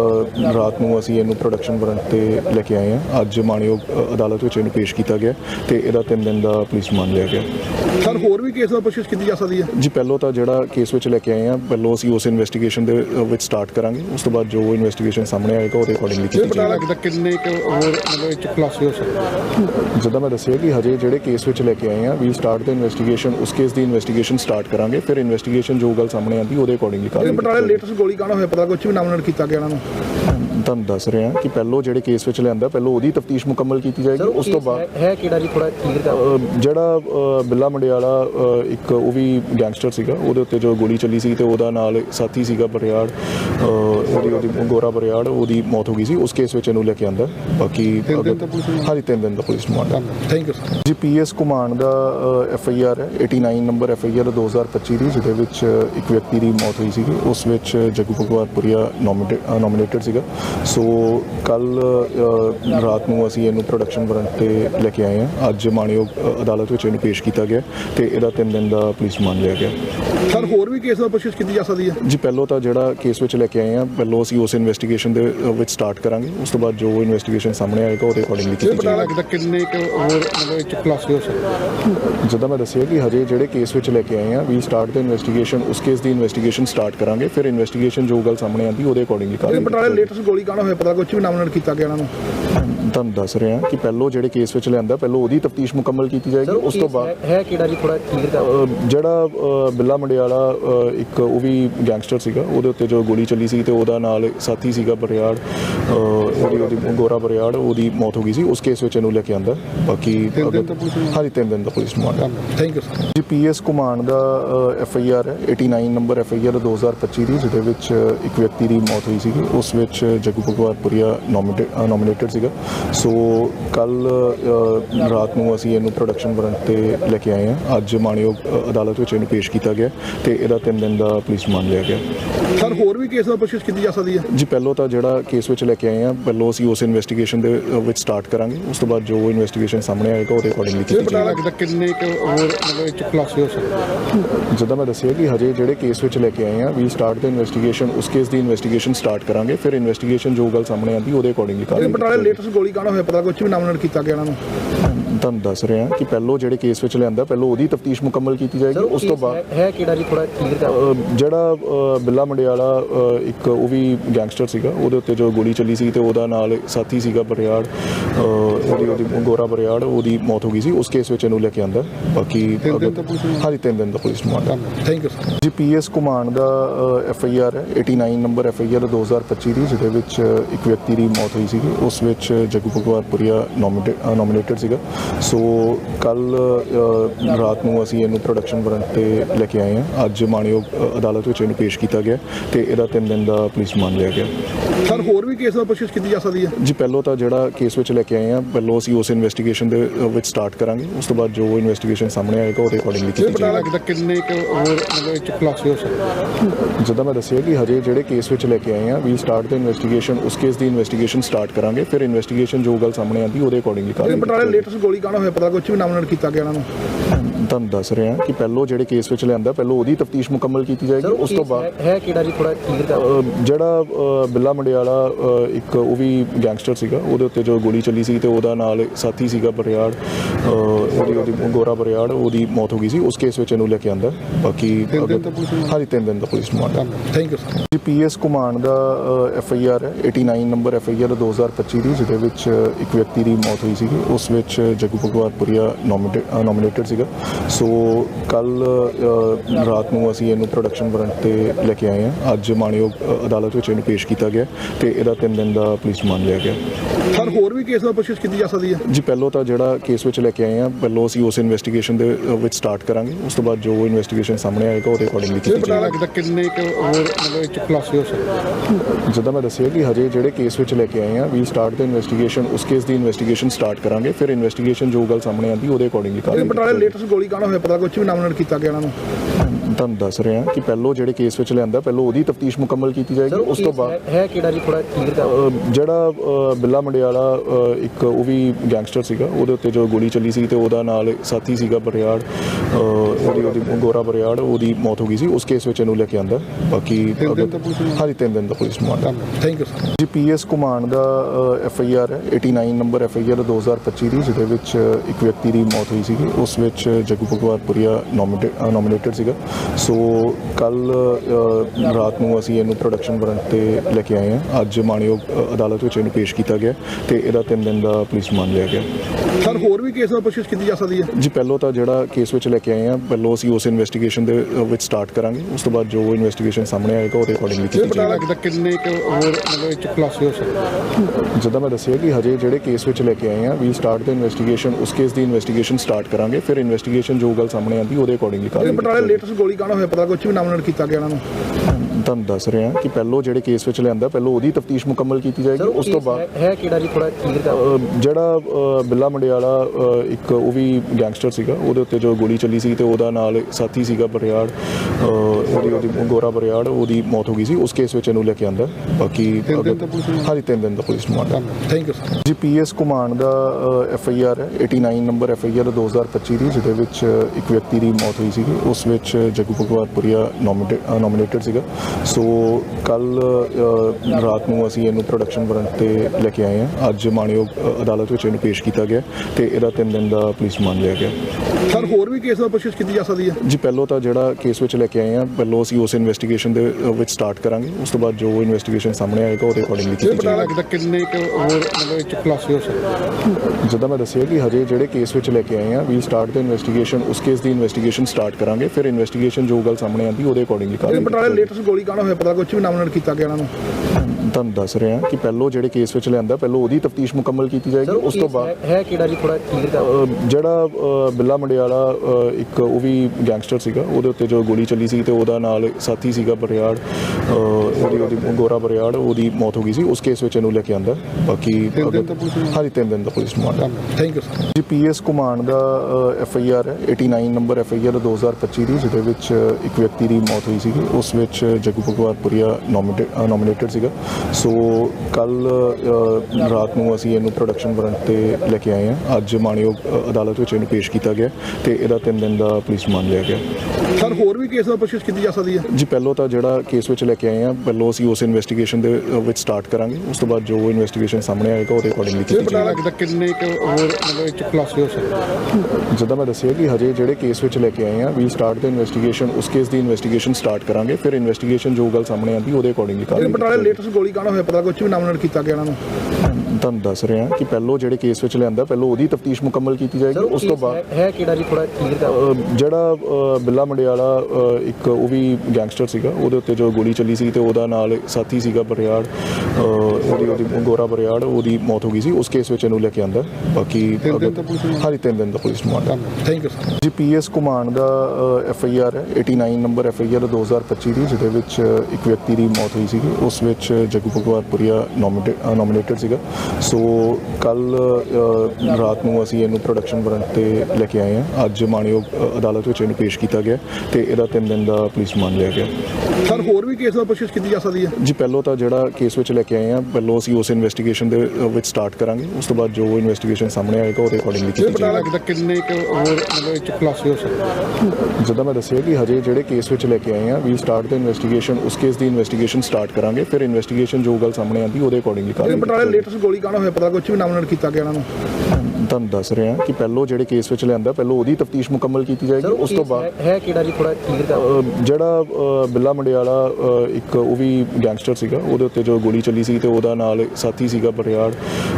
S2: ਰਾਤ ਨੂੰ ਅਸੀਂ ਇਹਨੂੰ ਪ੍ਰੋਡਕਸ਼ਨ ਵਾਰੰਟ ਤੇ ਲੈ ਕੇ ਆਏ ਹਾਂ। ਅੱਜ ਮਾਣਯੋਗ ਅਦਾਲਤ ਵਿੱਚ ਇਹਨੂੰ ਪੇਸ਼ ਕੀਤਾ ਗਿਆ ਤੇ ਇਹਦਾ 3 ਦਿਨ ਦਾ ਪੁਲਿਸ ਰਿਮਾਂਡ ਲਿਆ ਗਿਆ।
S3: ਸਰ ਹੋਰ ਵੀ ਕੇਸ ਦਾ ਪੁੱਛਗਿੱਛ ਕੀਤੀ ਜਾ ਸਕਦੀ ਹੈ?
S2: ਜੀ ਪਹਿਲੋਂ ਤਾਂ ਜਿਹੜਾ ਕੇਸ ਵਿੱਚ ਲੈ ਕੇ ਆਏ ਹਾਂ, ਪਹਿਲੋਂ ਅਸੀਂ ਉਸ ਇਨਵੈਸਟੀਗੇਸ਼ਨ ਦੇ ਵਿੱਚ ਸਟਾਰਟ ਕਰਾਂਗੇ। ਉਸ ਤੋਂ ਬਾਅਦ ਜੋ ਇਨਵੈਸਟੀਗੇਸ਼ਨ ਸਾਹਮਣੇ ਆਏਗਾ ਉਹਦੇ ਅਕੋਰਡਿੰਗਲੀ ਕੀਤੀ ਜਾਏਗੀ।
S3: ਲੱਗਦਾ ਕਿੰਨੇ ਹੋਰ ਮਤਲਬ ਇਹ ਖੁਲਾਸੇ ਹੋ ਸਕਦੇ?
S2: ਜਿੱਦਾਂ ਮੈਂ ਦੱਸਿਆ ਕਿ ਹਜੇ ਜਿਹੜੇ ਕੇਸ ਵਿੱਚ ਲੈ ਕੇ ਆਏ ਹਾਂ ਵੀ ਸਟਾਰਟ ਦਾ ਇਨਵੈਸਟੀਗੇਸ਼ਨ, ਉਸ ਕੇਸ ਦੀ ਇਨਵੈਸਟੀਗੇਸ਼ਨ ਸਟਾਰਟ ਕਰਾਂਗੇ, ਫਿਰ ਇਨਵੈਸਟੀਗੇਸ਼ਨ ਜੋ ਗੱਲ ਸਾਹਮਣੇ ਆਂਦੀ ਉਹਦੇ ਅਕੋਰਡਿੰਗਲੀ ਕਰਾਂਗੇ।
S3: ਬਟਾਲੇ ਲੇਟੈਸਟ ਗੋਲੀ ਕਾਂਡ ਹੋਇਆ, ਪਤਾ ਕੁਝ ਵੀ ਨਾਮਨਡ ਕੀਤਾ ਗਿਆ ਇਹਨਾਂ ਨੂੰ?
S2: ਤੁਹਾਨੂੰ ਦੱਸ ਰਿਹਾ ਕਿ ਪਹਿਲੋਂ ਜਿਹੜੇ ਕੇਸ ਵਿੱਚ ਲਿਆਂਦਾ ਪਹਿਲੋਂ ਉਹਦੀ ਤਫਤੀਸ਼ ਮੁਕੰਮਲ ਕੀਤੀ ਜਾਏਗੀ, ਉਸ ਤੋਂ ਬਾਅਦ
S4: ਹੈ ਕਿਹੜਾ ਜੀ ਥੋੜਾ ਕਲੀਅਰ ਕਰ।
S2: ਜਿਹੜਾ ਬਿੱਲਾ ਮੰਡਿਆਲਾ ਇੱਕ ਉਹ ਵੀ ਗੈਂਗਸਟਰ ਸੀਗਾ, ਉਹਦੇ ਉੱਤੇ ਜੋ ਗੋਲੀ ਚੱਲੀ ਸੀ ਤੇ ਉਹਦਾ ਨਾਲ ਸਾਥੀ ਸੀਗਾ ਬਰਿਆੜ, ਉਹਦੀ ਗੋਰਾ ਬਰਿਆੜ ਉਹਦੀ ਮੌਤ ਹੋ ਗਈ ਸੀ। ਉਸ ਕੇਸ ਵਿੱਚ ਇਹਨੂੰ ਲੈ ਕੇ ਆਂਦਾ। ਬਾਕੀ
S3: ਤਿੰਨ ਦਿਨ ਤਾਂ ਪੁਲਿਸ ਨੂੰ-
S2: ਹਾਂਜੀ 3 ਦਿਨ ਦਾ police remand.
S3: Thank you sir.
S2: GPS Ghuman ਦਾ FIR ਹੈ 89 ਨੰਬਰ FIR 2025 ਦੀ, ਜਿਹਦੇ ਵਿੱਚ ਇੱਕ ਵਿਅਕਤੀ ਦੀ ਮੌਤ ਹੋਈ ਸੀਗੀ। ਉਸ ਵਿੱਚ ਜੱਗੂ ਭਗਵਾਨਪੁਰੀਆ ਨੋਮੀਨੇਟਡ ਸੀਗਾ। ਸੋ ਕੱਲ ਰਾਤ ਨੂੰ ਅਸੀਂ ਇਹਨੂੰ ਪ੍ਰੋਡਕਸ਼ਨ ਵਾਰੰਟ ਤੇ ਲੈ ਕੇ ਆਏ ਹਾਂ। ਅੱਜ ਮਾਣਯੋਗ ਅਦਾਲਤ ਵਿੱਚ ਇਹਨੂੰ ਪੇਸ਼ ਕੀਤਾ ਗਿਆ ਤੇ ਇਹਦਾ 3 ਦਿਨ ਦਾ ਪੁਲਿਸ ਰਿਮਾਂਡ ਲਿਆ ਗਿਆ।
S3: ਸਰ ਹੋਰ ਵੀ ਕੇਸ ਦਾ ਪੁੱਛਗਿੱਛ ਕੀਤੀ ਜਾ ਸਕਦੀ ਹੈ?
S2: ਜੀ ਪਹਿਲੋਂ ਤਾਂ ਜਿਹੜਾ ਕੇਸ ਵਿੱਚ ਲੈ ਕੇ ਆਏ ਹਾਂ, ਪਹਿਲੋਂ ਅਸੀਂ ਉਸ ਇਨਵੈਸਟੀਗੇਸ਼ਨ ਦੇ ਵਿੱਚ ਸਟਾਰਟ ਕਰਾਂਗੇ। ਉਸ ਤੋਂ ਬਾਅਦ ਜੋ ਇਨਵੈਸਟੀਗੇਸ਼ਨ ਸਾਹਮਣੇ ਆਏਗਾ ਉਹਦੇ ਅਕੋਰਡਿੰਗਲੀ ਕੀਤੀ
S3: ਪਤਾ
S2: ਜਾਏਗੀ।
S3: ਲੱਗਦਾ ਕਿੰਨੇ ਕੁ ਹੋਰ ਮਤਲਬ ਇਹ 'ਚ ਖੁਲਾਸੇ ਹੋ ਸਕਦੇ?
S2: ਜਿੱਦਾਂ ਮੈਂ ਦੱਸਿਆ ਕਿ ਹਜੇ ਜਿਹੜੇ ਕੇਸ ਵਿੱਚ ਲੈ ਕੇ ਆਏ ਹਾਂ, ਵੀ ਸਟਾਰਟ ਦਾ ਇਨਵੈਸਟੀਗੇਸ਼ਨ, ਉਸ ਕੇਸ ਦੀ ਇਨਵੈਸਟੀਗੇਸ਼ਨ ਸਟਾਰਟ ਕਰਾਂਗੇ। ਫਿਰ ਇਨਵੈਸਟੀਗੇਸ਼ਨ ਜੋ ਗੱਲ ਸਾਹਮਣੇ ਆਉਂਦੀ ਉਹਦੇ ਅਕੋਰਡਿੰਗਲੀ
S3: ਬਟਾਲੇ
S2: ਕਰਾਂਗੇ।
S3: ਲੇਟੈਸਟ ਗੋਲੀ ਕਾਂਡ ਹੋਇਆ, ਪਤਾ ਕੁਝ ਵੀ ਨਾਮਨਡ ਕੀਤਾ ਗਿਆ ਇਹਨਾਂ ਨੂੰ?
S2: ਤੁਹਾਨੂੰ ਦੱਸ ਰਿਹਾ ਕਿ ਪਹਿਲੋਂ ਜਿਹੜੇ ਕੇਸ ਵਿੱਚ ਲਿਆਂਦਾ, ਪਹਿਲੋਂ ਉਹਦੀ ਤਫਤੀਸ਼ ਮੁਕੰਮਲ ਕੀਤੀ ਜਾਏਗੀ। ਉਸ ਤੋਂ ਬਾਅਦ
S4: ਹੈ ਕਿਹੜਾ ਜੀ ਥੋੜਾ ਕਲੀਅਰ ਕਰ।
S2: ਜਿਹੜਾ ਬਿੱਲਾ ਮੰਡਿਆਲਾ ਇੱਕ ਉਹ ਵੀ ਗੈਂਗਸਟਰ ਸੀਗਾ, ਉਹਦੇ ਉੱਤੇ ਜੋ ਗੋਲੀ ਚੱਲੀ ਸੀ ਤੇ ਉਹਦਾ ਨਾਲ ਸਾਥੀ ਸੀਗਾ ਬਰਿਆੜ, ਉਹਦੀ ਗੋਰਾ ਬਰਿਆੜ, ਉਹਦੀ ਮੌਤ ਹੋ ਗਈ ਸੀ। ਉਸ ਕੇਸ ਵਿੱਚ ਇਹਨੂੰ ਲੈ ਕੇ ਆਂਦਾ। ਬਾਕੀ
S3: ਤਿੰਨ ਦਿਨ ਤਾਂ ਪੁਲਿਸ ਨੂੰ-
S2: ਹਾਂਜੀ 3 ਦਿਨ ਦਾ police remand.
S3: Thank you sir.
S2: GPS Ghuman ਦਾ FIR ਹੈ 89 ਨੰਬਰ FIR 2025 ਦੀ, ਜਿਹਦੇ ਵਿੱਚ ਇੱਕ ਵਿਅਕਤੀ ਦੀ ਮੌਤ ਹੋਈ ਸੀਗੀ। ਉਸ ਵਿੱਚ ਜੱਗੂ ਭਗਵਾਨਪੁਰੀਆ ਨੋਮੀਨੇਟਡ ਸੀਗਾ। ਸੋ ਕੱਲ ਰਾਤ ਨੂੰ ਅਸੀਂ ਇਹਨੂੰ ਪ੍ਰੋਡਕਸ਼ਨ ਵਾਰੰਟ ਤੇ ਲੈ ਕੇ ਆਏ ਹਾਂ। ਅੱਜ ਮਾਣਯੋਗ ਅਦਾਲਤ ਵਿੱਚ ਇਹਨੂੰ ਪੇਸ਼ ਕੀਤਾ ਗਿਆ ਤੇ ਇਹਦਾ 3 ਦਿਨ ਦਾ ਪੁਲਿਸ ਰਿਮਾਂਡ ਲਿਆ ਗਿਆ।
S3: ਸਰ ਹੋਰ ਵੀ ਕੇਸ ਦਾ ਪੁੱਛਗਿੱਛ ਕੀਤੀ ਜਾ ਸਕਦੀ ਹੈ?
S2: ਜੀ ਪਹਿਲੋਂ ਤਾਂ ਜਿਹੜਾ ਕੇਸ ਵਿੱਚ ਲੈ ਕੇ ਆਏ ਹਾਂ, ਪਹਿਲੋਂ ਅਸੀਂ ਉਸ ਇਨਵੈਸਟੀਗੇਸ਼ਨ ਦੇ ਵਿੱਚ ਸਟਾਰਟ ਕਰਾਂਗੇ। ਉਸ ਤੋਂ ਬਾਅਦ ਜੋ ਇਨਵੈਸਟੀਗੇਸ਼ਨ ਸਾਹਮਣੇ ਆਏਗਾ ਉਹਦੇ ਅਕੋਰਡਿੰਗਲੀ ਕੀਤੀ
S3: ਪਤਾ
S2: ਜਾਏਗੀ।
S3: ਲੱਗਦਾ ਕਿੰਨੇ ਕੁ ਹੋਰ ਮਤਲਬ ਇਹ 'ਚ ਖੁਲਾਸੇ ਹੋ ਸਕਦੇ?
S2: ਜਿੱਦਾਂ ਮੈਂ ਦੱਸਿਆ ਕਿ ਹਜੇ ਜਿਹੜੇ ਕੇਸ ਵਿੱਚ ਲੈ ਕੇ ਆਏ ਹਾਂ, ਵੀ ਸਟਾਰਟ ਦਾ ਇਨਵੈਸਟੀਗੇਸ਼ਨ, ਉਸ ਕੇਸ ਦੀ ਇਨਵੈਸਟੀਗੇਸ਼ਨ ਸਟਾਰਟ ਕਰਾਂਗੇ। ਫਿਰ ਇਨਵੈਸਟੀਗੇਸ਼ਨ ਜੋ ਗੱਲ ਸਾਹਮਣੇ ਆਉਂਦੀ ਉਹਦੇ ਅਕੋਰਡਿੰਗਲੀ
S3: ਬਟਾਲੇ
S2: ਕਰਾਂਗੇ।
S3: ਲੇਟੈਸਟ ਗੋਲੀ ਕਾਂਡ ਹੋਇਆ, ਪਤਾ ਕੁਝ ਵੀ ਨਾਮਨਡ ਕੀਤਾ ਗਿਆ ਇਹਨਾਂ ਨੂੰ?
S2: ਤੁਹਾਨੂੰ ਦੱਸ ਰਿਹਾ ਕਿ ਪਹਿਲੋਂ ਜਿਹੜੇ ਕੇਸ ਵਿੱਚ ਲਿਆਂਦਾ, ਪਹਿਲੋਂ ਉਹਦੀ ਤਫਤੀਸ਼ ਮੁਕੰਮਲ ਕੀਤੀ ਜਾਏਗੀ। ਉਸ ਤੋਂ ਬਾਅਦ
S4: ਹੈ ਕਿਹੜਾ ਜੀ ਥੋੜਾ ਕਲੀਅਰ ਕਰ।
S2: ਜਿਹੜਾ ਬਿੱਲਾ ਮੰਡਿਆਲਾ ਇੱਕ ਉਹ ਵੀ ਗੈਂਗਸਟਰ ਸੀਗਾ, ਉਹਦੇ ਉੱਤੇ ਜੋ ਗੋਲੀ ਚੱਲੀ ਸੀ ਤੇ ਉਹਦਾ ਨਾਲ ਸਾਥੀ ਸੀਗਾ ਬਰਿਆੜ, ਉਹਦੀ ਗੋਰਾ ਬਰਿਆੜ, ਉਹਦੀ ਮੌਤ ਹੋ ਗਈ ਸੀ। ਉਸ ਕੇਸ ਵਿੱਚ ਇਹਨੂੰ ਲੈ ਕੇ ਆਂਦਾ। ਬਾਕੀ
S3: ਤਿੰਨ ਦਿਨ ਤਾਂ ਪੁਲਿਸ ਨੂੰ-
S2: ਹਾਂਜੀ 3 ਦਿਨ ਦਾ police remand.
S3: Thank you sir.
S2: GPS Ghuman ਦਾ FIR ਹੈ 89 ਨੰਬਰ FIR 2025 ਦੀ, ਜਿਹਦੇ ਵਿੱਚ ਇੱਕ ਵਿਅਕਤੀ ਦੀ ਮੌਤ ਹੋਈ ਸੀਗੀ। ਉਸ ਵਿੱਚ ਜੱਗੂ ਭਗਵਾਨਪੁਰੀਆ ਨੋਮੀਨੇਟਡ ਸੀਗਾ। ਸੋ ਕੱਲ ਰਾਤ ਨੂੰ ਅਸੀਂ ਇਹਨੂੰ ਪ੍ਰੋਡਕਸ਼ਨ ਵਾਰੰਟ ਤੇ ਲੈ ਕੇ ਆਏ ਹਾਂ। ਅੱਜ ਮਾਣਯੋਗ ਅਦਾਲਤ ਵਿੱਚ ਇਹਨੂੰ ਪੇਸ਼ ਕੀਤਾ ਗਿਆ ਤੇ ਇਹਦਾ 3 ਦਿਨ ਦਾ ਪੁਲਿਸ ਰਿਮਾਂਡ ਲਿਆ ਗਿਆ।
S3: ਸਰ ਹੋਰ ਵੀ ਕੇਸ ਦਾ ਪੁੱਛਗਿੱਛ ਕੀਤੀ ਜਾ ਸਕਦੀ ਹੈ?
S2: ਜੀ ਪਹਿਲੋਂ ਤਾਂ ਜਿਹੜਾ ਕੇਸ ਵਿੱਚ ਲੈ ਕੇ ਆਏ ਹਾਂ, ਪਹਿਲੋਂ ਅਸੀਂ ਉਸ ਇਨਵੈਸਟੀਗੇਸ਼ਨ ਦੇ ਵਿੱਚ ਸਟਾਰਟ ਕਰਾਂਗੇ। ਉਸ ਤੋਂ ਬਾਅਦ ਜੋ ਇਨਵੈਸਟੀਗੇਸ਼ਨ ਸਾਹਮਣੇ ਆਏਗਾ ਉਹਦੇ ਅਕੋਰਡਿੰਗਲੀ ਕੀਤੀ
S3: ਪਤਾ
S2: ਜਾਏਗੀ।
S3: ਲੱਗਦਾ ਕਿੰਨੇ ਕੁ ਹੋਰ ਮਤਲਬ ਇਹ 'ਚ ਖੁਲਾਸੇ ਹੋ ਸਕਦੇ?
S2: ਜਿੱਦਾਂ ਮੈਂ ਦੱਸਿਆ ਕਿ ਹਜੇ ਜਿਹੜੇ ਕੇਸ ਵਿੱਚ ਲੈ ਕੇ ਆਏ ਹਾਂ, ਵੀ ਸਟਾਰਟ ਦਾ ਇਨਵੈਸਟੀਗੇਸ਼ਨ, ਉਸ ਕੇਸ ਦੀ ਇਨਵੈਸਟੀਗੇਸ਼ਨ ਸਟਾਰਟ ਕਰਾਂਗੇ। ਫਿਰ ਇਨਵੈਸਟੀਗੇਸ਼ਨ ਜੋ ਗੱਲ ਸਾਹਮਣੇ ਆਉਂਦੀ ਉਹਦੇ ਅਕੋਰਡਿੰਗਲੀ
S3: ਬਟਾਲੇ
S2: ਕਰਾਂਗੇ।
S3: ਲੇਟੈਸਟ ਗੋਲੀ ਕਾਂਡ ਹੋਇਆ, ਪਤਾ ਕੁਝ ਵੀ ਨਾਮਨਡ ਕੀਤਾ ਗਿਆ ਇਹਨਾਂ ਨੂੰ?
S2: ਤੁਹਾਨੂੰ ਦੱਸ ਰਿਹਾ ਕਿ ਪਹਿਲੋਂ ਜਿਹੜੇ ਕੇਸ ਵਿੱਚ ਲਿਆਂਦਾ, ਪਹਿਲੋਂ ਉਹਦੀ ਤਫਤੀਸ਼ ਮੁਕੰਮਲ ਕੀਤੀ ਜਾਏਗੀ। ਉਸ ਤੋਂ ਬਾਅਦ
S4: ਹੈ ਕਿਹੜਾ ਜੀ ਥੋੜਾ ਕਲੀਅਰ ਕਰ।
S2: ਜਿਹੜਾ ਬਿੱਲਾ ਮੰਡਿਆਲਾ ਇੱਕ ਉਹ ਵੀ ਗੈਂਗਸਟਰ ਸੀਗਾ, ਉਹਦੇ ਉੱਤੇ ਜੋ ਗੋਲੀ ਚੱਲੀ ਸੀ ਤੇ ਉਹਦਾ ਨਾਲ ਸਾਥੀ ਸੀਗਾ ਬਰਿਆੜ, ਉਹਦੀ ਗੋਰਾ ਬਰਿਆੜ, ਉਹਦੀ ਮੌਤ ਹੋ ਗਈ ਸੀ। ਉਸ ਕੇਸ ਵਿੱਚ ਇਹਨੂੰ ਲੈ ਕੇ ਆਂਦਾ। ਬਾਕੀ
S3: ਤਿੰਨ ਦਿਨ ਤਾਂ ਪੁਲਿਸ ਨੂੰ-
S2: ਹਾਂਜੀ 3 ਦਿਨ ਦਾ police remand.
S3: Thank you sir.
S2: GPS Ghuman ਦਾ FIR ਹੈ 89 ਨੰਬਰ FIR 2025 ਦੀ, ਜਿਹਦੇ ਵਿੱਚ ਇੱਕ ਵਿਅਕਤੀ ਦੀ ਮੌਤ ਹੋਈ ਸੀਗੀ। ਉਸ ਵਿੱਚ ਜੱਗੂ ਭਗਵਾਨਪੁਰੀਆ ਨੋਮੀਨੇਟਡ ਸੀਗਾ। ਸੋ ਕੱਲ ਰਾਤ ਨੂੰ ਅਸੀਂ ਇਹਨੂੰ ਪ੍ਰੋਡਕਸ਼ਨ ਵਾਰੰਟ ਤੇ ਲੈ ਕੇ ਆਏ ਹਾਂ। ਅੱਜ ਮਾਣਯੋਗ ਅਦਾਲਤ ਵਿੱਚ ਇਹਨੂੰ ਪੇਸ਼ ਕੀਤਾ ਗਿਆ ਤੇ ਇਹਦਾ 3 ਦਿਨ ਦਾ ਪੁਲਿਸ ਰਿਮਾਂਡ ਲਿਆ ਗਿਆ।
S3: ਸਰ ਹੋਰ ਵੀ ਕੇਸ ਦਾ ਪੁੱਛਗਿੱਛ ਕੀਤੀ ਜਾ ਸਕਦੀ ਹੈ?
S2: ਜੀ ਪਹਿਲੋਂ ਤਾਂ ਜਿਹੜਾ ਕੇਸ ਵਿੱਚ ਲੈ ਕੇ ਆਏ ਹਾਂ, ਪਹਿਲੋਂ ਅਸੀਂ ਉਸ ਇਨਵੈਸਟੀਗੇਸ਼ਨ ਦੇ ਵਿੱਚ ਸਟਾਰਟ ਕਰਾਂਗੇ। ਉਸ ਤੋਂ ਬਾਅਦ ਜੋ ਇਨਵੈਸਟੀਗੇਸ਼ਨ ਸਾਹਮਣੇ ਆਏਗਾ ਉਹਦੇ ਅਕੋਰਡਿੰਗਲੀ ਕੀਤੀ
S3: ਪਤਾ
S2: ਜਾਏਗੀ।
S3: ਲੱਗਦਾ ਕਿੰਨੇ ਕੁ ਹੋਰ ਮਤਲਬ ਇਹ 'ਚ ਖੁਲਾਸੇ ਹੋ ਸਕਦੇ?
S2: ਜਿੱਦਾਂ ਮੈਂ ਦੱਸਿਆ ਕਿ ਹਜੇ ਜਿਹੜੇ ਕੇਸ ਵਿੱਚ ਲੈ ਕੇ ਆਏ ਹਾਂ, ਵੀ ਸਟਾਰਟ ਦਾ ਇਨਵੈਸਟੀਗੇਸ਼ਨ, ਉਸ ਕੇਸ ਦੀ ਇਨਵੈਸਟੀਗੇਸ਼ਨ ਸਟਾਰਟ ਕਰਾਂਗੇ। ਫਿਰ ਇਨਵੈਸਟੀਗੇਸ਼ਨ ਜੋ ਗੱਲ ਸਾਹਮਣੇ ਆਉਂਦੀ ਉਹਦੇ ਅਕੋਰਡਿੰਗਲੀ
S3: ਬਟਾਲੇ
S2: ਕਰਾਂਗੇ।
S3: ਲੇਟੈਸਟ ਗੋਲੀ ਕਾਂਡ ਹੋਇਆ, ਪਤਾ ਕੁਝ ਵੀ ਨਾਮਨਡ ਕੀਤਾ ਗਿਆ ਇਹਨਾਂ ਨੂੰ?
S2: ਤੁਹਾਨੂੰ ਦੱਸ ਰਿਹਾ ਕਿ ਪਹਿਲੋਂ ਜਿਹੜੇ ਕੇਸ ਵਿੱਚ ਲਿਆਂਦਾ, ਪਹਿਲੋਂ ਉਹਦੀ ਤਫਤੀਸ਼ ਮੁਕੰਮਲ ਕੀਤੀ ਜਾਏਗੀ। ਉਸ ਤੋਂ ਬਾਅਦ
S4: ਹੈ ਕਿਹੜਾ ਜੀ ਥੋੜਾ ਕਲੀਅਰ ਕਰ।
S2: ਜਿਹੜਾ ਬਿੱਲਾ ਮੰਡਿਆਲਾ ਇੱਕ ਉਹ ਵੀ ਗੈਂਗਸਟਰ ਸੀਗਾ, ਉਹਦੇ ਉੱਤੇ ਜੋ ਗੋਲੀ ਚੱਲੀ ਸੀ ਤੇ ਉਹਦਾ ਨਾਲ ਸਾਥੀ ਸੀਗਾ ਬਰਿਆੜ, ਉਹਦੀ ਗੋਰਾ ਬਰਿਆੜ, ਉਹਦੀ ਮੌਤ ਹੋ ਗਈ ਸੀ। ਉਸ ਕੇਸ ਵਿੱਚ ਇਹਨੂੰ ਲੈ ਕੇ ਆਂਦਾ। ਬਾਕੀ
S3: ਤਿੰਨ ਦਿਨ ਤਾਂ ਪੁਲਿਸ ਨੂੰ-
S2: ਹਾਂਜੀ 3 ਦਿਨ ਦਾ police remand.
S3: Thank you sir.
S2: GPS Ghuman ਦਾ FIR ਹੈ 89 ਨੰਬਰ FIR 2025 ਦੀ, ਜਿਹਦੇ ਵਿੱਚ ਇੱਕ ਵਿਅਕਤੀ ਦੀ ਮੌਤ ਹੋਈ ਸੀਗੀ। ਉਸ ਵਿੱਚ ਜੱਗੂ ਭਗਵਾਨਪੁਰੀਆ ਨੋਮੀਨੇਟਡ ਸੀਗਾ। ਸੋ ਕੱਲ ਰਾਤ ਨੂੰ ਅਸੀਂ ਇਹਨੂੰ ਪ੍ਰੋਡਕਸ਼ਨ ਵਾਰੰਟ ਤੇ ਲੈ ਕੇ ਆਏ ਹਾਂ। ਅੱਜ ਮਾਣਯੋਗ ਅਦਾਲਤ ਵਿੱਚ ਇਹਨੂੰ ਪੇਸ਼ ਕੀਤਾ ਗਿਆ ਤੇ ਇਹਦਾ 3 ਦਿਨ ਦਾ ਪੁਲਿਸ ਰਿਮਾਂਡ ਲਿਆ ਗਿਆ।
S3: ਸਰ ਹੋਰ ਵੀ ਕੇਸ ਦਾ ਪੁੱਛਗਿੱਛ ਕੀਤੀ ਜਾ ਸਕਦੀ ਹੈ?
S2: ਜੀ ਪਹਿਲੋਂ ਤਾਂ ਜਿਹੜਾ ਕੇਸ ਵਿੱਚ ਲੈ ਕੇ ਆਏ ਹਾਂ, ਪਹਿਲੋਂ ਅਸੀਂ ਉਸ ਇਨਵੈਸਟੀਗੇਸ਼ਨ ਦੇ ਵਿੱਚ ਸਟਾਰਟ ਕਰਾਂਗੇ। ਉਸ ਤੋਂ ਬਾਅਦ ਜੋ ਇਨਵੈਸਟੀਗੇਸ਼ਨ ਸਾਹਮਣੇ ਆਏਗਾ ਉਹਦੇ ਅਕੋਰਡਿੰਗਲੀ ਕੀਤੀ
S3: ਪਤਾ
S2: ਜਾਏਗੀ।
S3: ਲੱਗਦਾ ਕਿੰਨੇ ਕੁ ਹੋਰ ਮਤਲਬ ਇਹ 'ਚ ਖੁਲਾਸੇ ਹੋ ਸਕਦੇ?
S2: ਜਿੱਦਾਂ ਮੈਂ ਦੱਸਿਆ ਕਿ ਹਜੇ ਜਿਹੜੇ ਕੇਸ ਵਿੱਚ ਲੈ ਕੇ ਆਏ ਹਾਂ, ਵੀ ਸਟਾਰਟ ਦਾ ਇਨਵੈਸਟੀਗੇਸ਼ਨ, ਉਸ ਕੇਸ ਦੀ ਇਨਵੈਸਟੀਗੇਸ਼ਨ ਸਟਾਰਟ ਕਰਾਂਗੇ। ਫਿਰ ਇਨਵੈਸਟੀਗੇਸ਼ਨ ਜੋ ਗੱਲ ਸਾਹਮਣੇ ਆਉਂਦੀ ਉਹਦੇ ਅਕੋਰਡਿੰਗਲੀ ਕਰਾਂਗੇ।
S3: ਬਟਾਲੇ ਲੇਟੈਸਟ ਗੋਲੀ ਕਾਂਡ ਹੋਇਆ, ਪਤਾ ਕੁਝ ਵੀ ਨਾਮਨਡ ਕੀਤਾ ਗਿਆ ਇਹਨਾਂ ਨੂੰ?
S2: ਤੁਹਾਨੂੰ ਦੱਸ ਰਿਹਾ ਕਿ ਪਹਿਲੋਂ ਜਿਹੜੇ ਕੇਸ ਵਿੱਚ ਲਿਆਂਦਾ ਪਹਿਲੋਂ ਉਹਦੀ ਤਫਤੀਸ਼ ਮੁਕੰਮਲ ਕੀਤੀ ਜਾਏਗੀ। ਉਸ ਤੋਂ ਬਾਅਦ
S4: ਹੈ ਕਿਹੜਾ ਜੀ ਥੋੜਾ ਕਲੀਅਰ ਕਰ
S2: ਜਿਹੜਾ ਬਿੱਲਾ ਮੰਡਿਆਲਾ ਇੱਕ ਉਹ ਵੀ ਗੈਂਗਸਟਰ ਸੀਗਾ, ਉਹਦੇ ਉੱਤੇ ਜੋ ਗੋਲੀ ਚੱਲੀ ਸੀ ਤੇ ਉਹਦਾ ਨਾਲ ਸਾਥੀ ਸੀਗਾ ਬਰਿਆੜ, ਉਹਦੀ ਗੋਰਾ ਬਰਿਆੜ, ਉਹਦੀ ਮੌਤ ਹੋ ਗਈ ਸੀ। ਉਸ ਕੇਸ ਵਿੱਚ ਇਹਨੂੰ ਲੈ ਕੇ ਆਂਦਾ। ਬਾਕੀ ਹਾਂਜੀ 3 ਦਿਨ ਦਾ police remand.
S3: Thank you sir.
S2: ਜੀ ਪੀਐਸ ਘੁਮਾਣ ਦਾ FIR ਹੈ 89 ਨੰਬਰ FIR 2025 ਦੀ, ਜਿਹਦੇ ਵਿੱਚ ਇੱਕ ਵਿਅਕਤੀ ਦੀ ਮੌਤ ਹੋਈ ਸੀਗੀ। ਉਸ ਵਿੱਚ ਜੱਗੂ ਭਗਵਾਨਪੁਰੀਆ ਨੋਮੀਨੇਟਡ ਸੀਗਾ। ਸੋ ਕੱਲ ਰਾਤ ਨੂੰ ਅਸੀਂ ਇਹਨੂੰ ਪ੍ਰੋਡਕਸ਼ਨ ਵਾਰੰਟ ਤੇ ਲੈ ਕੇ ਆਏ ਹਾਂ। ਅੱਜ ਮਾਣਯੋਗ ਅਦਾਲਤ ਵਿੱਚ ਇਹਨੂੰ ਪੇਸ਼ ਕੀਤਾ ਗਿਆ ਤੇ ਇਹਦਾ 3 ਦਿਨ ਦਾ ਪੁਲਿਸ ਰਿਮਾਂਡ ਲਿਆ ਗਿਆ।
S3: ਸਰ ਹੋਰ ਵੀ ਕੇਸ ਦਾ ਪੁੱਛਗਿੱਛ ਕੀਤੀ ਜਾ ਸਕਦੀ ਹੈ?
S2: ਜੀ ਪਹਿਲੋਂ ਤਾਂ ਜਿਹੜਾ ਕੇਸ ਵਿੱਚ ਲੈ ਕੇ ਆਏ ਹਾਂ, ਪਹਿਲੋਂ ਅਸੀਂ ਉਸ ਇਨਵੈਸਟੀਗੇਸ਼ਨ ਦੇ ਵਿੱਚ ਸਟਾਰਟ ਕਰਾਂਗੇ। ਉਸ ਤੋਂ ਬਾਅਦ ਜੋ ਇਨਵੈਸਟੀਗੇਸ਼ਨ ਸਾਹਮਣੇ ਆਏਗਾ ਉਹਦੇ ਅਕੋਰਡਿੰਗਲੀ ਕੀਤੀ
S3: ਪਤਾ
S2: ਜਾਏਗੀ।
S3: ਲੱਗਦਾ ਕਿੰਨੇ ਕੁ ਹੋਰ ਮਤਲਬ ਇਹ 'ਚ ਖੁਲਾਸੇ ਹੋ ਸਕਦੇ?
S2: ਜਿੱਦਾਂ ਮੈਂ ਦੱਸਿਆ ਕਿ ਹਜੇ ਜਿਹੜੇ ਕੇਸ ਵਿੱਚ ਲੈ ਕੇ ਆਏ ਹਾਂ, ਵੀ ਸਟਾਰਟ ਦਾ ਇਨਵੈਸਟੀਗੇਸ਼ਨ, ਉਸ ਕੇਸ ਦੀ ਇਨਵੈਸਟੀਗੇਸ਼ਨ ਸਟਾਰਟ ਕਰਾਂਗੇ। ਫਿਰ ਇਨਵੈਸਟੀਗੇਸ਼ਨ ਜੋ ਗੱਲ ਸਾਹਮਣੇ ਆਉਂਦੀ ਉਹਦੇ ਅਕੋਰਡਿੰਗਲੀ ਕਰਾਂਗੇ।
S3: ਬਟਾਲੇ ਲੇਟੈਸਟ ਗੋਲੀ ਕਾਂਡ ਹੋਇਆ, ਪਤਾ ਕੁਝ ਵੀ ਨਾਮਨਡ ਕੀਤਾ ਗਿਆ ਇਹਨਾਂ ਨੂੰ?
S2: ਤੁਹਾਨੂੰ ਦੱਸ ਰਿਹਾ ਕਿ ਪਹਿਲੋਂ ਜਿਹੜੇ ਕੇਸ ਵਿੱਚ ਲਿਆਂਦਾ ਪਹਿਲੋਂ ਉਹਦੀ ਤਫਤੀਸ਼ ਮੁਕੰਮਲ ਕੀਤੀ ਜਾਏਗੀ। ਉਸ ਤੋਂ ਬਾਅਦ
S4: ਹੈ ਕਿਹੜਾ ਜੀ ਥੋੜਾ ਕਲੀਅਰ ਕਰ
S2: ਜਿਹੜਾ ਬਿੱਲਾ ਮੰਡਿਆਲਾ ਇੱਕ ਉਹ ਵੀ ਗੈਂਗਸਟਰ ਸੀਗਾ, ਉਹਦੇ ਉੱਤੇ ਜੋ ਗੋਲੀ ਚੱਲੀ ਸੀ ਤੇ ਉਹਦਾ ਨਾਲ ਸਾਥੀ ਸੀਗਾ ਬਰਿਆੜ, ਉਹਦੀ ਗੋਰਾ ਬਰਿਆੜ, ਉਹਦੀ ਮੌਤ ਹੋ ਗਈ ਸੀ। ਉਸ ਕੇਸ ਵਿੱਚ ਇਹਨੂੰ ਲੈ ਕੇ ਆਂਦਾ। ਬਾਕੀ ਹਾਂਜੀ 3 ਦਿਨ ਦਾ police remand.
S3: Thank you sir.
S2: ਜੀ ਪੀਐਸ ਘੁਮਾਣ ਦਾ FIR ਹੈ 89 ਨੰਬਰ FIR 2025 ਦੀ, ਜਿਹਦੇ ਵਿੱਚ ਇੱਕ ਵਿਅਕਤੀ ਦੀ ਮੌਤ ਹੋਈ ਸੀਗੀ। ਉਸ ਵਿੱਚ ਜੱਗੂ ਭਗਵਾਨਪੁਰੀਆ ਨੋਮੀਨੇਟਡ ਸੀਗਾ। ਸੋ ਕੱਲ ਰਾਤ ਨੂੰ ਅਸੀਂ ਇਹਨੂੰ ਪ੍ਰੋਡਕਸ਼ਨ ਵਾਰੰਟ ਤੇ ਲੈ ਕੇ ਆਏ ਹਾਂ। ਅੱਜ ਮਾਣਯੋਗ ਅਦਾਲਤ ਵਿੱਚ ਇਹਨੂੰ ਪੇਸ਼ ਕੀਤਾ ਗਿਆ ਤੇ ਇਹਦਾ 3 ਦਿਨ ਦਾ ਪੁਲਿਸ ਰਿਮਾਂਡ ਲਿਆ ਗਿਆ।
S3: ਸਰ ਹੋਰ ਵੀ ਕੇਸ ਦਾ ਪੁੱਛਗਿੱਛ ਕੀਤੀ ਜਾ ਸਕਦੀ ਹੈ?
S2: ਜੀ ਪਹਿਲੋਂ ਤਾਂ ਜਿਹੜਾ ਕੇਸ ਵਿੱਚ ਲੈ ਕੇ ਆਏ ਹਾਂ, ਪਹਿਲੋਂ ਅਸੀਂ ਉਸ ਇਨਵੈਸਟੀਗੇਸ਼ਨ ਦੇ ਵਿੱਚ ਸਟਾਰਟ ਕਰਾਂਗੇ। ਉਸ ਤੋਂ ਬਾਅਦ ਜੋ ਇਨਵੈਸਟੀਗੇਸ਼ਨ ਸਾਹਮਣੇ ਆਏਗਾ ਉਹਦੇ ਅਕੋਰਡਿੰਗਲੀ ਕੀਤੀ
S3: ਪਤਾ
S2: ਜਾਏਗੀ।
S3: ਲੱਗਦਾ ਕਿੰਨੇ ਕੁ ਹੋਰ ਮਤਲਬ ਇਹ 'ਚ ਖੁਲਾਸੇ ਹੋ ਸਕਦੇ?
S2: ਜਿੱਦਾਂ ਮੈਂ ਦੱਸਿਆ ਕਿ ਹਜੇ ਜਿਹੜੇ ਕੇਸ ਵਿੱਚ ਲੈ ਕੇ ਆਏ ਹਾਂ, ਵੀ ਸਟਾਰਟ ਦਾ ਇਨਵੈਸਟੀਗੇਸ਼ਨ, ਉਸ ਕੇਸ ਦੀ ਇਨਵੈਸਟੀਗੇਸ਼ਨ ਸਟਾਰਟ ਕਰਾਂਗੇ। ਫਿਰ ਇਨਵੈਸਟੀਗੇਸ਼ਨ ਜੋ ਗੱਲ ਸਾਹਮਣੇ ਆਉਂਦੀ ਉਹਦੇ ਅਕੋਰਡਿੰਗਲੀ ਕਰਾਂਗੇ।
S3: ਬਟਾਲੇ ਲੇਟੈਸਟ ਗੋਲੀ ਕਾਂਡ ਹੋਇਆ, ਪਤਾ ਕੁਝ ਵੀ ਨਾਮਨਡ ਕੀਤਾ ਗਿਆ ਇਹਨਾਂ ਨੂੰ?
S2: ਤੁਹਾਨੂੰ ਦੱਸ ਰਿਹਾ ਕਿ ਪਹਿਲੋਂ ਜਿਹੜੇ ਕੇਸ ਵਿੱਚ ਲਿਆਂਦਾ ਪਹਿਲੋਂ ਉਹਦੀ ਤਫਤੀਸ਼ ਮੁਕੰਮਲ ਕੀਤੀ ਜਾਏਗੀ। ਉਸ ਤੋਂ ਬਾਅਦ
S4: ਹੈ ਕਿਹੜਾ ਜੀ ਥੋੜਾ ਕਲੀਅਰ ਕਰ
S2: ਜਿਹੜਾ ਬਿੱਲਾ ਮੰਡਿਆਲਾ ਇੱਕ ਉਹ ਵੀ ਗੈਂਗਸਟਰ ਸੀਗਾ, ਉਹਦੇ ਉੱਤੇ ਜੋ ਗੋਲੀ ਚੱਲੀ ਸੀ ਤੇ ਉਹਦਾ ਨਾਲ ਸਾਥੀ ਸੀਗਾ ਬਰਿਆੜ, ਉਹਦੀ ਗੋਰਾ ਬਰਿਆੜ, ਉਹਦੀ ਮੌਤ ਹੋ ਗਈ ਸੀ। ਉਸ ਕੇਸ ਵਿੱਚ ਇਹਨੂੰ ਲੈ ਕੇ ਆਂਦਾ। ਬਾਕੀ ਹਾਂਜੀ 3 ਦਿਨ ਦਾ police remand.
S3: Thank you sir.
S2: ਜੀ ਪੀਐਸ ਘੁਮਾਣ ਦਾ FIR ਹੈ 89 ਨੰਬਰ FIR 2025 ਦੀ, ਜਿਹਦੇ ਵਿੱਚ ਇੱਕ ਵਿਅਕਤੀ ਦੀ ਮੌਤ ਹੋਈ ਸੀਗੀ। ਉਸ ਵਿੱਚ ਜੱਗੂ ਭਗਵਾਨਪੁਰੀਆ ਨੋਮੀਨੇਟਡ ਸੀਗਾ। ਸੋ ਕੱਲ ਰਾਤ ਨੂੰ ਅਸੀਂ ਇਹਨੂੰ ਪ੍ਰੋਡਕਸ਼ਨ ਵਾਰੰਟ ਤੇ ਲੈ ਕੇ ਆਏ ਹਾਂ। ਅੱਜ ਮਾਣਯੋਗ ਅਦਾਲਤ ਵਿੱਚ ਇਹਨੂੰ ਪੇਸ਼ ਕੀਤਾ ਗਿਆ ਤੇ ਇਹਦਾ 3 ਦਿਨ ਦਾ ਪੁਲਿਸ ਰਿਮਾਂਡ ਲਿਆ ਗਿਆ।
S3: ਸਰ ਹੋਰ ਵੀ ਕੇਸ ਦਾ ਪੁੱਛਗਿੱਛ ਕੀਤੀ ਜਾ ਸਕਦੀ ਹੈ?
S2: ਜੀ ਪਹਿਲੋਂ ਤਾਂ ਜਿਹੜਾ ਕੇਸ ਵਿੱਚ ਲੈ ਕੇ ਆਏ ਹਾਂ, ਪਹਿਲੋਂ ਅਸੀਂ ਉਸ ਇਨਵੈਸਟੀਗੇਸ਼ਨ ਦੇ ਵਿੱਚ ਸਟਾਰਟ ਕਰਾਂਗੇ। ਉਸ ਤੋਂ ਬਾਅਦ ਜੋ ਇਨਵੈਸਟੀਗੇਸ਼ਨ ਸਾਹਮਣੇ ਆਏਗਾ ਉਹਦੇ ਅਕੋਰਡਿੰਗਲੀ ਕੀਤੀ
S3: ਪਤਾ
S2: ਜਾਏਗੀ।
S3: ਲੱਗਦਾ ਕਿੰਨੇ ਕੁ ਹੋਰ ਮਤਲਬ ਇਹ 'ਚ ਖੁਲਾਸੇ ਹੋ ਸਕਦੇ?
S2: ਜਿੱਦਾਂ ਮੈਂ ਦੱਸਿਆ ਕਿ ਹਜੇ ਜਿਹੜੇ ਕੇਸ ਵਿੱਚ ਲੈ ਕੇ ਆਏ ਹਾਂ, ਵੀ ਸਟਾਰਟ ਦਾ ਇਨਵੈਸਟੀਗੇਸ਼ਨ, ਉਸ ਕੇਸ ਦੀ ਇਨਵੈਸਟੀਗੇਸ਼ਨ ਸਟਾਰਟ ਕਰਾਂਗੇ। ਫਿਰ ਇਨਵੈਸਟੀਗੇਸ਼ਨ ਜੋ ਗੱਲ ਸਾਹਮਣੇ ਆਉਂਦੀ ਉਹਦੇ ਅਕੋਰਡਿੰਗਲੀ ਕਰਾਂਗੇ।
S3: ਬਟਾਲੇ ਲੇਟੈਸਟ ਗੋਲੀ ਕਾਂਡ ਹੋਇਆ, ਪਤਾ ਕੁਝ ਵੀ ਨਾਮਨਡ ਕੀਤਾ ਗਿਆ ਇਹਨਾਂ ਨੂੰ?
S2: ਤੁਹਾਨੂੰ ਦੱਸ ਰਿਹਾ ਕਿ ਪਹਿਲੋਂ ਜਿਹੜੇ ਕੇਸ ਵਿੱਚ ਲਿਆਂਦਾ ਪਹਿਲੋਂ ਉਹਦੀ ਤਫਤੀਸ਼ ਮੁਕੰਮਲ ਕੀਤੀ ਜਾਏਗੀ। ਉਸ ਤੋਂ ਬਾਅਦ
S4: ਹੈ ਕਿਹੜਾ ਜੀ ਥੋੜਾ ਕਲੀਅਰ ਕਰ
S2: ਜਿਹੜਾ ਬਿੱਲਾ ਮੰਡਿਆਲਾ ਇੱਕ ਉਹ ਵੀ ਗੈਂਗਸਟਰ ਸੀਗਾ, ਉਹਦੇ ਉੱਤੇ ਜੋ ਗੋਲੀ ਚੱਲੀ ਸੀ ਤੇ ਉਹਦਾ ਨਾਲ ਸਾਥੀ ਸੀਗਾ ਬਰਿਆੜ,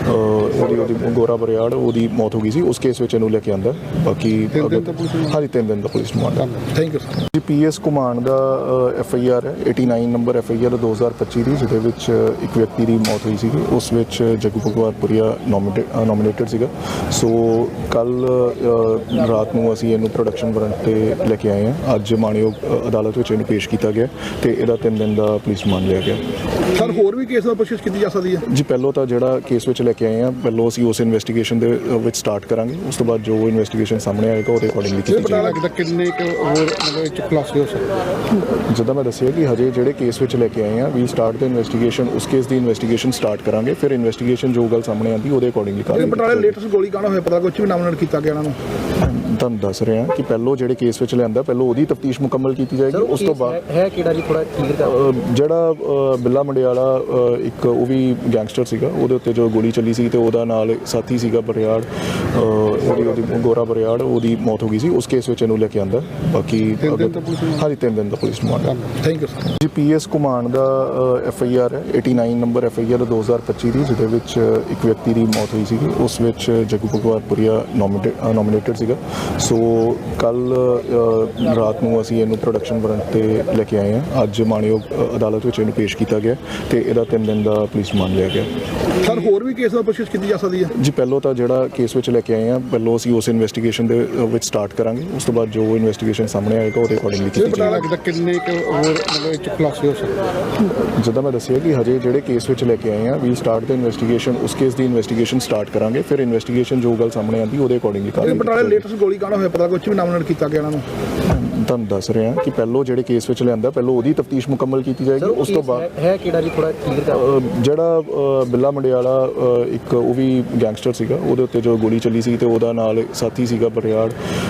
S2: ਉਹਦੀ ਗੋਰਾ ਬਰਿਆੜ, ਉਹਦੀ ਮੌਤ ਹੋ ਗਈ ਸੀ। ਉਸ ਕੇਸ ਵਿੱਚ ਇਹਨੂੰ ਲੈ ਕੇ ਆਂਦਾ। ਬਾਕੀ ਹਾਂਜੀ 3 ਦਿਨ ਦਾ police remand.
S3: Thank you sir.
S2: ਜੀ ਪੀਐਸ ਘੁਮਾਣ ਦਾ FIR ਹੈ 89 ਨੰਬਰ FIR 2025 ਦੀ, ਜਿਹਦੇ ਵਿੱਚ ਇੱਕ ਵਿਅਕਤੀ ਦੀ ਮੌਤ ਹੋਈ ਸੀਗੀ। ਉਸ ਵਿੱਚ ਜੱਗੂ ਭਗਵਾਨਪੁਰੀਆ ਨੋਮੀਨੇਟਡ ਸੀਗਾ। ਸੋ ਕੱਲ ਰਾਤ ਨੂੰ ਅਸੀਂ ਇਹਨੂੰ ਪ੍ਰੋਡਕਸ਼ਨ ਵਾਰੰਟ ਤੇ ਲੈ ਕੇ ਆਏ ਹਾਂ। ਅੱਜ ਮਾਣਯੋਗ ਅਦਾਲਤ ਵਿੱਚ ਇਹਨੂੰ ਪੇਸ਼ ਕੀਤਾ ਗਿਆ ਤੇ ਇਹਦਾ 3 ਦਿਨ ਦਾ ਪੁਲਿਸ ਰਿਮਾਂਡ ਲਿਆ ਗਿਆ।
S3: ਸਰ ਹੋਰ ਵੀ ਕੇਸ ਦਾ ਪੁੱਛਗਿੱਛ ਕੀਤੀ ਜਾ ਸਕਦੀ ਹੈ?
S2: ਜੀ ਪਹਿਲੋਂ ਤਾਂ ਜਿਹੜਾ ਕੇਸ ਵਿੱਚ ਲੈ ਕੇ ਆਏ ਹਾਂ, ਪਹਿਲੋਂ ਅਸੀਂ ਉਸ ਇਨਵੈਸਟੀਗੇਸ਼ਨ ਦੇ ਵਿੱਚ ਸਟਾਰਟ ਕਰਾਂਗੇ। ਉਸ ਤੋਂ ਬਾਅਦ ਜੋ ਇਨਵੈਸਟੀਗੇਸ਼ਨ ਸਾਹਮਣੇ ਆਏਗਾ ਉਹਦੇ ਅਕੋਰਡਿੰਗਲੀ ਕੀਤੀ
S3: ਪਤਾ
S2: ਜਾਏਗੀ।
S3: ਲੱਗਦਾ ਕਿੰਨੇ ਕੁ ਹੋਰ ਮਤਲਬ ਇਹ 'ਚ ਖੁਲਾਸੇ ਹੋ ਸਕਦੇ?
S2: ਜਿੱਦਾਂ ਮੈਂ ਦੱਸਿਆ ਕਿ ਹਜੇ ਜਿਹੜੇ ਕੇਸ ਵਿੱਚ ਲੈ ਕੇ ਆਏ ਹਾਂ, ਵੀ ਸਟਾਰਟ ਦਾ ਇਨਵੈਸਟੀਗੇਸ਼ਨ, ਉਸ ਕੇਸ ਦੀ ਇਨਵੈਸਟੀਗੇਸ਼ਨ ਸਟਾਰਟ ਕਰਾਂਗੇ। ਫਿਰ ਇਨਵੈਸਟੀਗੇਸ਼ਨ ਜੋ ਗੱਲ ਸਾਹਮਣੇ ਆਉਂਦੀ ਉਹਦੇ ਅਕੋਰਡਿੰਗਲੀ ਕਰਾਂਗੇ।
S3: ਬਟਾਲੇ ਲੇਟੈਸਟ ਗੋਲੀ ਕਾਂਡ ਹੋਇਆ, ਪਤਾ ਕੁਝ ਵੀ ਨਾਮਨਡ ਕੀਤਾ ਗਿਆ ਇਹਨਾਂ ਨੂੰ?
S2: ਤੁਹਾਨੂੰ ਦੱਸ ਰਿਹਾ ਕਿ ਪਹਿਲੋਂ ਜਿਹੜੇ ਕੇਸ ਵਿੱਚ ਲਿਆਂਦਾ ਪਹਿਲੋਂ ਉਹਦੀ ਤਫਤੀਸ਼ ਮੁਕੰਮਲ ਕੀਤੀ ਜਾਏਗੀ। ਉਸ ਤੋਂ ਬਾਅਦ
S4: ਹੈ ਕਿਹੜਾ ਜੀ ਥੋੜਾ ਕਲੀਅਰ ਕਰ
S2: ਜਿਹੜਾ ਬਿੱਲਾ ਮੰਡਿਆਲਾ ਇੱਕ ਉਹ ਵੀ ਗੈਂਗਸਟਰ ਸੀਗਾ, ਉਹਦੇ ਉੱਤੇ ਜੋ ਗੋਲੀ ਚੱਲੀ ਸੀ ਤੇ ਉਹਦਾ ਨਾਲ ਸਾਥੀ ਸੀਗਾ ਬਰਿਆੜ, ਉਹਦੀ ਗੋਰਾ ਬਰਿਆੜ, ਉਹਦੀ ਮੌਤ ਹੋ ਗਈ ਸੀ। ਉਸ ਕੇਸ ਵਿੱਚ ਇਹਨੂੰ ਲੈ ਕੇ ਆਂਦਾ। ਬਾਕੀ ਹਾਂਜੀ 3 ਦਿਨ ਦਾ police remand.
S3: Thank you sir.
S2: ਜੀ ਪੀਐਸ ਘੁਮਾਣ ਦਾ FIR ਹੈ 89 ਨੰਬਰ FIR 2025 ਦੀ, ਜਿਹਦੇ ਵਿੱਚ ਇੱਕ ਵਿਅਕਤੀ ਦੀ ਮੌਤ ਹੋਈ ਸੀਗੀ। ਉਸ ਵਿੱਚ ਜੱਗੂ ਭਗਵਾਨਪੁਰੀਆ ਨੋਮੀਨੇਟਡ ਸੀਗਾ। ਸੋ ਕੱਲ ਰਾਤ ਨੂੰ ਅਸੀਂ ਇਹਨੂੰ ਪ੍ਰੋਡਕਸ਼ਨ ਵਾਰੰਟ ਤੇ ਲੈ ਕੇ ਆਏ ਹਾਂ। ਅੱਜ ਮਾਣਯੋਗ ਅਦਾਲਤ ਵਿੱਚ ਇਹਨੂੰ ਪੇਸ਼ ਕੀਤਾ ਗਿਆ ਤੇ ਇਹਦਾ 3 ਦਿਨ ਦਾ ਪੁਲਿਸ ਰਿਮਾਂਡ ਲਿਆ ਗਿਆ।
S3: ਸਰ ਹੋਰ ਵੀ ਕੇਸ ਦਾ ਪੁੱਛਗਿੱਛ ਕੀਤੀ ਕੀਤੀ ਜਾ ਸਕਦੀ ਹੈ?
S2: ਜੀ ਪਹਿਲਾਂ ਤਾਂ ਜਿਹੜਾ ਕੇਸ ਵਿੱਚ ਲੈ ਕੇ ਆਏ ਆ ਪਹਿਲਾਂ ਅਸੀਂ ਉਸ ਇਨਵੈਸਟੀਗੇਸ਼ਨ ਦੇ ਵਿੱਚ ਸਟਾਰਟ ਕਰਾਂਗੇ। ਉਸ ਤੋਂ ਬਾਅਦ ਜੋ ਇਨਵੈਸਟੀਗੇਸ਼ਨ ਸਾਹਮਣੇ ਆਏਗਾ ਉਹਦੇ ਅਕੋਰਡਿੰਗਲੀ ਕੀਤੀ
S3: ਪਤਾ
S2: ਜਾਏਗੀ।
S3: ਲੱਗਦਾ ਕਿੰਨੇ ਕੁ ਹੋਰ ਮਤਲਬ ਇਹ 'ਚ ਖੁਲਾਸੇ ਹੋ ਸਕਦੇ?
S2: ਜਿੱਦਾਂ ਮੈਂ ਦੱਸਿਆ ਕਿ ਹਜੇ ਜਿਹੜੇ ਕੇਸ ਵਿੱਚ ਲੈ ਕੇ ਆਏ ਆ ਵੀ ਸਟਾਰਟ ਦਾ ਇਨਵੈਸਟੀਗੇਸ਼ਨ, ਉਸ ਕੇਸ ਦੀ ਇਨਵੈਸਟੀਗੇਸ਼ਨ ਸਟਾਰਟ ਕਰਾਂਗੇ, ਫਿਰ ਇਨਵੈਸਟੀਗੇਸ਼ਨ ਜੋ ਗੱਲ ਸਾਹਮਣੇ ਆਉਂਦੀ ਉਹਦੇ ਅਕੋਰਡਿੰਗਲੀ ਕਰਾਂਗੇ।
S3: ਬਟਾਲੇ ਲੇਟੈਸਟ ਗੋਲੀ ਕਾਂਡ ਹੋਇਆ, ਪਤਾ ਕੁਝ ਵੀ ਨਾਮਨਡ ਕੀਤਾ ਗਿਆ ਇਹਨਾਂ ਨੂੰ?
S2: ਤੁਹਾਨੂੰ ਦੱਸ ਰਿਹਾ ਕਿ ਪਹਿਲਾਂ ਜਿਹੜੇ ਕੇਸ ਵਿੱਚ ਲਿਆਂਦਾ ਪਹਿਲਾਂ ਉਹਦੀ ਤਫਤੀਸ਼ ਮੁਕੰਮਲ ਕੀਤੀ ਜਾਏਗੀ। ਉਸ ਤੋਂ ਬਾਅਦ
S4: ਹੈ ਕਿਹੜਾ ਜੀ ਥੋੜਾ ਕਲੀਅਰ ਕਰ
S2: ਜਿਹੜਾ ਬਿੱਲਾ ਮੰਡਿਆਲਾ ਇੱਕ ਉਹ ਵੀ ਗੈਂਗਸਟਰ ਸੀਗਾ, ਉਹਦੇ ਉੱਤੇ ਜੋ ਗੋਲੀ ਚੱਲੀ ਸੀ ਤੇ ਉਹਦਾ ਨਾਲ ਸਾਥੀ ਸੀਗਾ ਬਰਿਆੜ,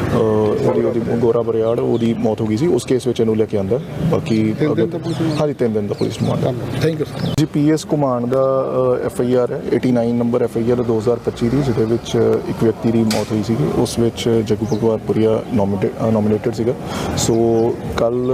S2: ਉਹਦੀ ਗੋਰਾ ਬਰਿਆੜ, ਉਹਦੀ ਮੌਤ ਹੋ ਗਈ ਸੀ। ਉਸ ਕੇਸ ਵਿੱਚ ਇਹਨੂੰ ਲੈ ਕੇ ਆਂਦਾ। ਬਾਕੀ ਹਾਂਜੀ 3 ਦਿਨ ਦਾ police remand.
S3: Thank you sir.
S2: ਜੀ ਪੀਐਸ ਘੁਮਾਣ ਦਾ FIR ਹੈ 89 ਨੰਬਰ FIR 2025 ਦੀ, ਜਿਹਦੇ ਵਿੱਚ ਇੱਕ ਵਿਅਕਤੀ ਦੀ ਮੌਤ ਹੋਈ ਸੀਗੀ। ਉਸ ਵਿੱਚ ਜੱਗੂ ਭਗਵਾਨਪੁਰੀਆ ਨੋਮੀਨੇਟਡ ਸੀਗਾ। ਸੋ ਕੱਲ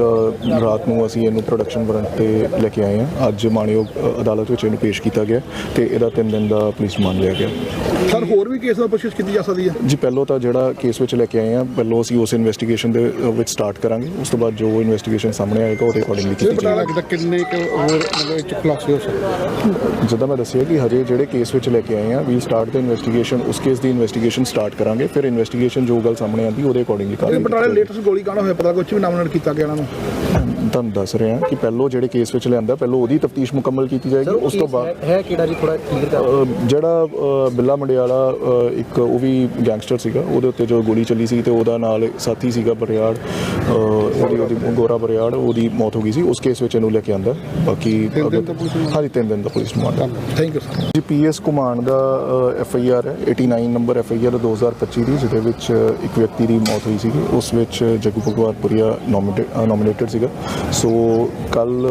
S2: ਰਾਤ ਨੂੰ ਅਸੀਂ ਇਹਨੂੰ ਪ੍ਰੋਡਕਸ਼ਨ ਵਾਰੰਟ ਤੇ ਲੈ ਕੇ ਆਏ ਹਾਂ। ਅੱਜ ਮਾਣਯੋਗ ਅਦਾਲਤ ਵਿੱਚ ਇਹਨੂੰ ਪੇਸ਼ ਕੀਤਾ ਗਿਆ ਤੇ ਇਹਦਾ 3 ਦਿਨ ਦਾ ਪੁਲਿਸ ਰਿਮਾਂਡ ਲਿਆ ਗਿਆ।
S3: ਸਰ ਹੋਰ ਵੀ ਕੇਸ ਦਾ ਪੁੱਛਗਿੱਛ ਕੀਤੀ ਜਾ ਸਕਦੀ ਹੈ?
S2: ਜੀ ਪਹਿਲਾਂ ਤਾਂ ਜਿਹੜਾ ਕੇਸ ਵਿੱਚ ਲੈ ਕੇ ਆਏ ਆ ਪਹਿਲਾਂ ਅਸੀਂ ਉਸ ਇਨਵੈਸਟੀਗੇਸ਼ਨ ਦੇ ਵਿੱਚ ਸਟਾਰਟ ਕਰਾਂਗੇ। ਉਸ ਤੋਂ ਬਾਅਦ ਜੋ ਇਨਵੈਸਟੀਗੇਸ਼ਨ ਸਾਹਮਣੇ ਆਏਗਾ ਉਹਦੇ ਅਕੋਰਡਿੰਗਲੀ ਕੀਤੀ
S3: ਪਤਾ
S2: ਜਾਏਗੀ।
S3: ਲੱਗਦਾ ਕਿੰਨੇ ਕੁ ਹੋਰ ਮਤਲਬ ਇਹ 'ਚ ਖੁਲਾਸੇ ਹੋ ਸਕਦੇ?
S2: ਜਿੱਦਾਂ ਮੈਂ ਦੱਸਿਆ ਕਿ ਹਜੇ ਜਿਹੜੇ ਕੇਸ ਵਿੱਚ ਲੈ ਕੇ ਆਏ ਆ ਵੀ ਸਟਾਰਟ ਦਾ ਇਨਵੈਸਟੀਗੇਸ਼ਨ, ਉਸ ਕੇਸ ਦੀ ਇਨਵੈਸਟੀਗੇਸ਼ਨ ਸਟਾਰਟ ਕਰਾਂਗੇ, ਫਿਰ ਇਨਵੈਸਟੀਗੇਸ਼ਨ ਜੋ ਗੱਲ ਸਾਹਮਣੇ ਆਉਂਦੀ ਉਹਦੇ ਅਕੋਰਡਿੰਗਲੀ ਕਰਾਂਗੇ।
S3: ਬਟਾਲੇ ਲੇਟੈਸਟ ਗੋਲੀ ਕਾਂਡ ਹੋਇਆ, ਪਤਾ ਕੁਝ ਵੀ ਨਾਮਨਡ ਕੀਤਾ ਗਿਆ ਇਹਨਾਂ ਨੂੰ?
S2: ਤੁਹਾਨੂੰ ਦੱਸ ਰਿਹਾ ਕਿ ਪਹਿਲਾਂ ਜਿਹੜੇ ਕੇਸ ਵਿੱਚ ਲਿਆਂਦਾ ਪਹਿਲਾਂ ਉਹਦੀ ਤਫਤੀਸ਼ ਮੁਕੰਮਲ ਕੀਤੀ ਜਾਏਗੀ। ਉਸ ਤੋਂ ਬਾਅਦ
S4: ਹੈ ਕਿਹੜਾ ਜੀ ਥੋੜਾ ਕਲੀਅਰ ਕਰ
S2: ਜਿਹੜਾ ਬਿੱਲਾ ਮੰਡਿਆਲਾ ਇੱਕ ਉਹ ਵੀ ਗੈਂਗਸਟਰ ਸੀਗਾ, ਉਹਦੇ ਉੱਤੇ ਜੋ ਗੋਲੀ ਚੱਲੀ ਸੀ ਤੇ ਉਹਦਾ ਨਾਲ ਸਾਥੀ ਸੀਗਾ ਬਰਿਆੜ, ਉਹਦੀ ਗੋਰਾ ਬਰਿਆੜ, ਉਹਦੀ ਮੌਤ ਹੋ ਗਈ ਸੀ। ਉਸ ਕੇਸ ਵਿੱਚ ਇਹਨੂੰ ਲੈ ਕੇ ਆਂਦਾ। ਬਾਕੀ ਹਾਂਜੀ 3 ਦਿਨ ਦਾ police remand.
S3: Thank you sir.
S2: ਜੀ ਪੀਐਸ ਘੁਮਾਣ ਦਾ FIR ਹੈ 89 ਨੰਬਰ FIR 2025 ਦੀ, ਜਿਹਦੇ ਵਿੱਚ ਇੱਕ ਵਿਅਕਤੀ ਦੀ ਮੌਤ ਹੋਈ ਸੀਗੀ। ਉਸ ਵਿੱਚ ਜੱਗੂ ਭਗਵਾਨਪੁਰੀਆ ਨੋਮੀਨੇਟਡ ਸੀਗਾ। ਸੋ ਕੱਲ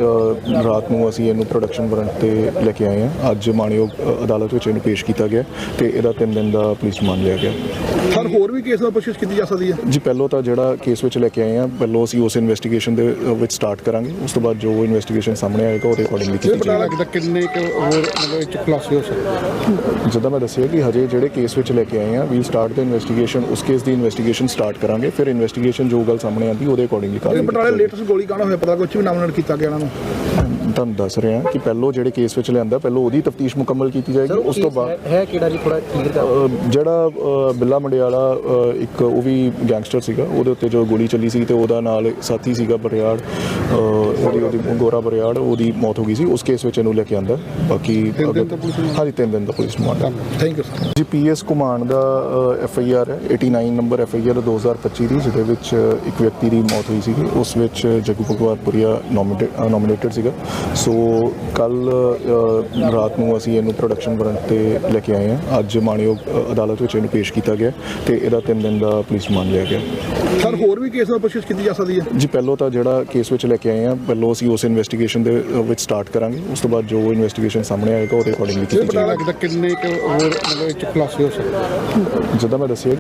S2: ਰਾਤ ਨੂੰ ਅਸੀਂ ਇਹਨੂੰ ਪ੍ਰੋਡਕਸ਼ਨ ਵਾਰੰਟ ਤੇ ਲੈ ਕੇ ਆਏ ਹਾਂ। ਅੱਜ ਮਾਣਯੋਗ ਅਦਾਲਤ ਵਿੱਚ ਇਹਨੂੰ ਪੇਸ਼ ਕੀਤਾ ਗਿਆ ਤੇ ਇਹਦਾ 3 ਦਿਨ ਦਾ ਪੁਲਿਸ ਰਿਮਾਂਡ ਲਿਆ ਗਿਆ।
S3: ਸਰ ਹੋਰ ਵੀ ਕੇਸ ਦਾ ਪੁੱਛਗਿੱਛ ਕੀਤੀ ਜਾ ਸਕਦੀ ਹੈ?
S2: ਜੀ ਪਹਿਲਾਂ ਤਾਂ ਜਿਹੜਾ ਕੇਸ ਵਿੱਚ ਲੈ ਕੇ ਆਏ ਆ ਪਹਿਲਾਂ ਅਸੀਂ ਉਸ ਇਨਵੈਸਟੀਗੇਸ਼ਨ ਦੇ ਵਿੱਚ ਸਟਾਰਟ ਕਰਾਂਗੇ। ਉਸ ਤੋਂ ਬਾਅਦ ਜੋ ਇਨਵੈਸਟੀਗੇਸ਼ਨ ਸਾਹਮਣੇ ਆਏਗਾ ਉਹਦੇ ਅਕੋਰਡਿੰਗਲੀ ਕੀਤੀ
S3: ਪਤਾ
S2: ਜਾਏਗੀ।
S3: ਲੱਗਦਾ ਕਿੰਨੇ ਕੁ ਹੋਰ ਮਤਲਬ ਇਹ 'ਚ ਖੁਲਾਸੇ ਹੋ ਸਕਦੇ?
S2: ਜਿੱਦਾਂ ਮੈਂ ਦੱਸਿਆ ਕਿ ਹਜੇ ਜਿਹੜੇ ਕੇਸ ਵਿੱਚ ਲੈ ਕੇ ਆਏ ਆ ਵੀ ਸਟਾਰਟ ਦਾ ਇਨਵੈਸਟੀਗੇਸ਼ਨ, ਉਸ ਕੇਸ ਦੀ ਇਨਵੈਸਟੀਗੇਸ਼ਨ ਸਟਾਰਟ ਕਰਾਂਗੇ, ਫਿਰ ਇਨਵੈਸਟੀਗੇਸ਼ਨ ਜੋ ਗੱਲ ਸਾਹਮਣੇ ਆਉਂਦੀ ਉਹਦੇ ਅਕੋਰਡਿੰਗਲੀ ਕਰਾਂਗੇ।
S3: ਬਟਾਲੇ ਲੇਟੈਸਟ ਗੋਲੀ ਕਾਂਡ ਹੋਇਆ, ਪਤਾ ਕੁਝ ਵੀ ਨਾਮਨਡ ਕੀਤਾ ਗਿਆ ਇਹਨਾਂ ਨੂੰ?
S2: ਤੁਹਾਨੂੰ ਦੱਸ ਰਿਹਾ ਕਿ ਪਹਿਲਾਂ ਜਿਹੜੇ ਕੇਸ ਵਿੱਚ ਲਿਆਂਦਾ ਪਹਿਲਾਂ ਉਹਦੀ ਤਫਤੀਸ਼ ਮੁਕੰਮਲ ਕੀਤੀ ਜਾਏਗੀ। ਉਸ ਤੋਂ ਬਾਅਦ
S4: ਹੈ ਕਿਹੜਾ ਜੀ ਥੋੜਾ ਕਲੀਅਰ ਕਰ
S2: ਜਿਹੜਾ ਬਿੱਲਾ ਮੰਡਿਆਲਾ ਇੱਕ ਉਹ ਵੀ ਗੈਂਗਸਟਰ ਸੀਗਾ, ਉਹਦੇ ਉੱਤੇ ਜੋ ਗੋਲੀ ਚੱਲੀ ਸੀ ਤੇ ਉਹਦਾ ਨਾਲ ਸਾਥੀ ਸੀਗਾ ਬਰਿਆੜ, ਉਹਦੀ ਗੋਰਾ ਬਰਿਆੜ, ਉਹਦੀ ਮੌਤ ਹੋ ਗਈ ਸੀ। ਉਸ ਕੇਸ ਵਿੱਚ ਇਹਨੂੰ ਲੈ ਕੇ ਆਂਦਾ। ਬਾਕੀ ਹਾਂਜੀ 3 ਦਿਨ ਦਾ police remand.
S3: Thank you sir.
S2: ਜੀ ਪੀਐਸ ਘੁਮਾਣ ਦਾ FIR ਹੈ 89 ਨੰਬਰ FIR 2025 ਦੀ, ਜਿਹਦੇ ਵਿੱਚ ਇੱਕ ਵਿਅਕਤੀ ਦੀ ਮੌਤ ਹੋਈ ਸੀਗੀ। ਉਸ ਵਿੱਚ ਜੱਗੂ ਭਗਵਾਨਪੁਰੀਆ ਨੋਮੀਨੇਟਡ ਸੀਗਾ। ਸੋ ਕੱਲ ਰਾਤ ਨੂੰ ਅਸੀਂ ਇਹਨੂੰ ਪ੍ਰੋਡਕਸ਼ਨ ਵਾਰੰਟ ਤੇ ਲੈ ਕੇ ਆਏ ਹਾਂ। ਅੱਜ ਮਾਣਯੋਗ ਅਦਾਲਤ ਵਿੱਚ ਇਹਨੂੰ ਪੇਸ਼ ਕੀਤਾ ਗਿਆ ਤੇ ਇਹਦਾ 3 ਦਿਨ ਦਾ ਪੁਲਿਸ ਰਿਮਾਂਡ ਲਿਆ ਗਿਆ।
S3: ਸਰ ਹੋਰ ਵੀ ਕੇਸ ਦਾ ਪੁੱਛਗਿੱਛ ਕੀਤੀ ਜਾ ਸਕਦੀ ਹੈ?
S2: ਜੀ ਪਹਿਲਾਂ ਤਾਂ ਜਿਹੜਾ ਕੇਸ ਵਿੱਚ ਲੈ ਕੇ ਆਏ ਆ ਪਹਿਲਾਂ ਅਸੀਂ ਉਸ ਇਨਵੈਸਟੀਗੇਸ਼ਨ ਦੇ ਵਿੱਚ ਸਟਾਰਟ ਕਰਾਂਗੇ। ਉਸ ਤੋਂ ਬਾਅਦ ਜੋ ਇਨਵੈਸਟੀਗੇਸ਼ਨ ਸਾਹਮਣੇ ਆਏਗਾ ਉਹਦੇ ਅਕੋਰਡਿੰਗਲੀ ਕੀਤੀ
S3: ਪਤਾ
S2: ਜਾਏਗੀ।
S3: ਲੱਗਦਾ ਕਿੰਨੇ ਕੁ ਹੋਰ ਮਤਲਬ ਇਹ 'ਚ ਖੁਲਾਸੇ ਹੋ ਸਕਦੇ?
S2: ਜਿੱਦਾਂ ਮੈਂ ਦੱਸਿਆ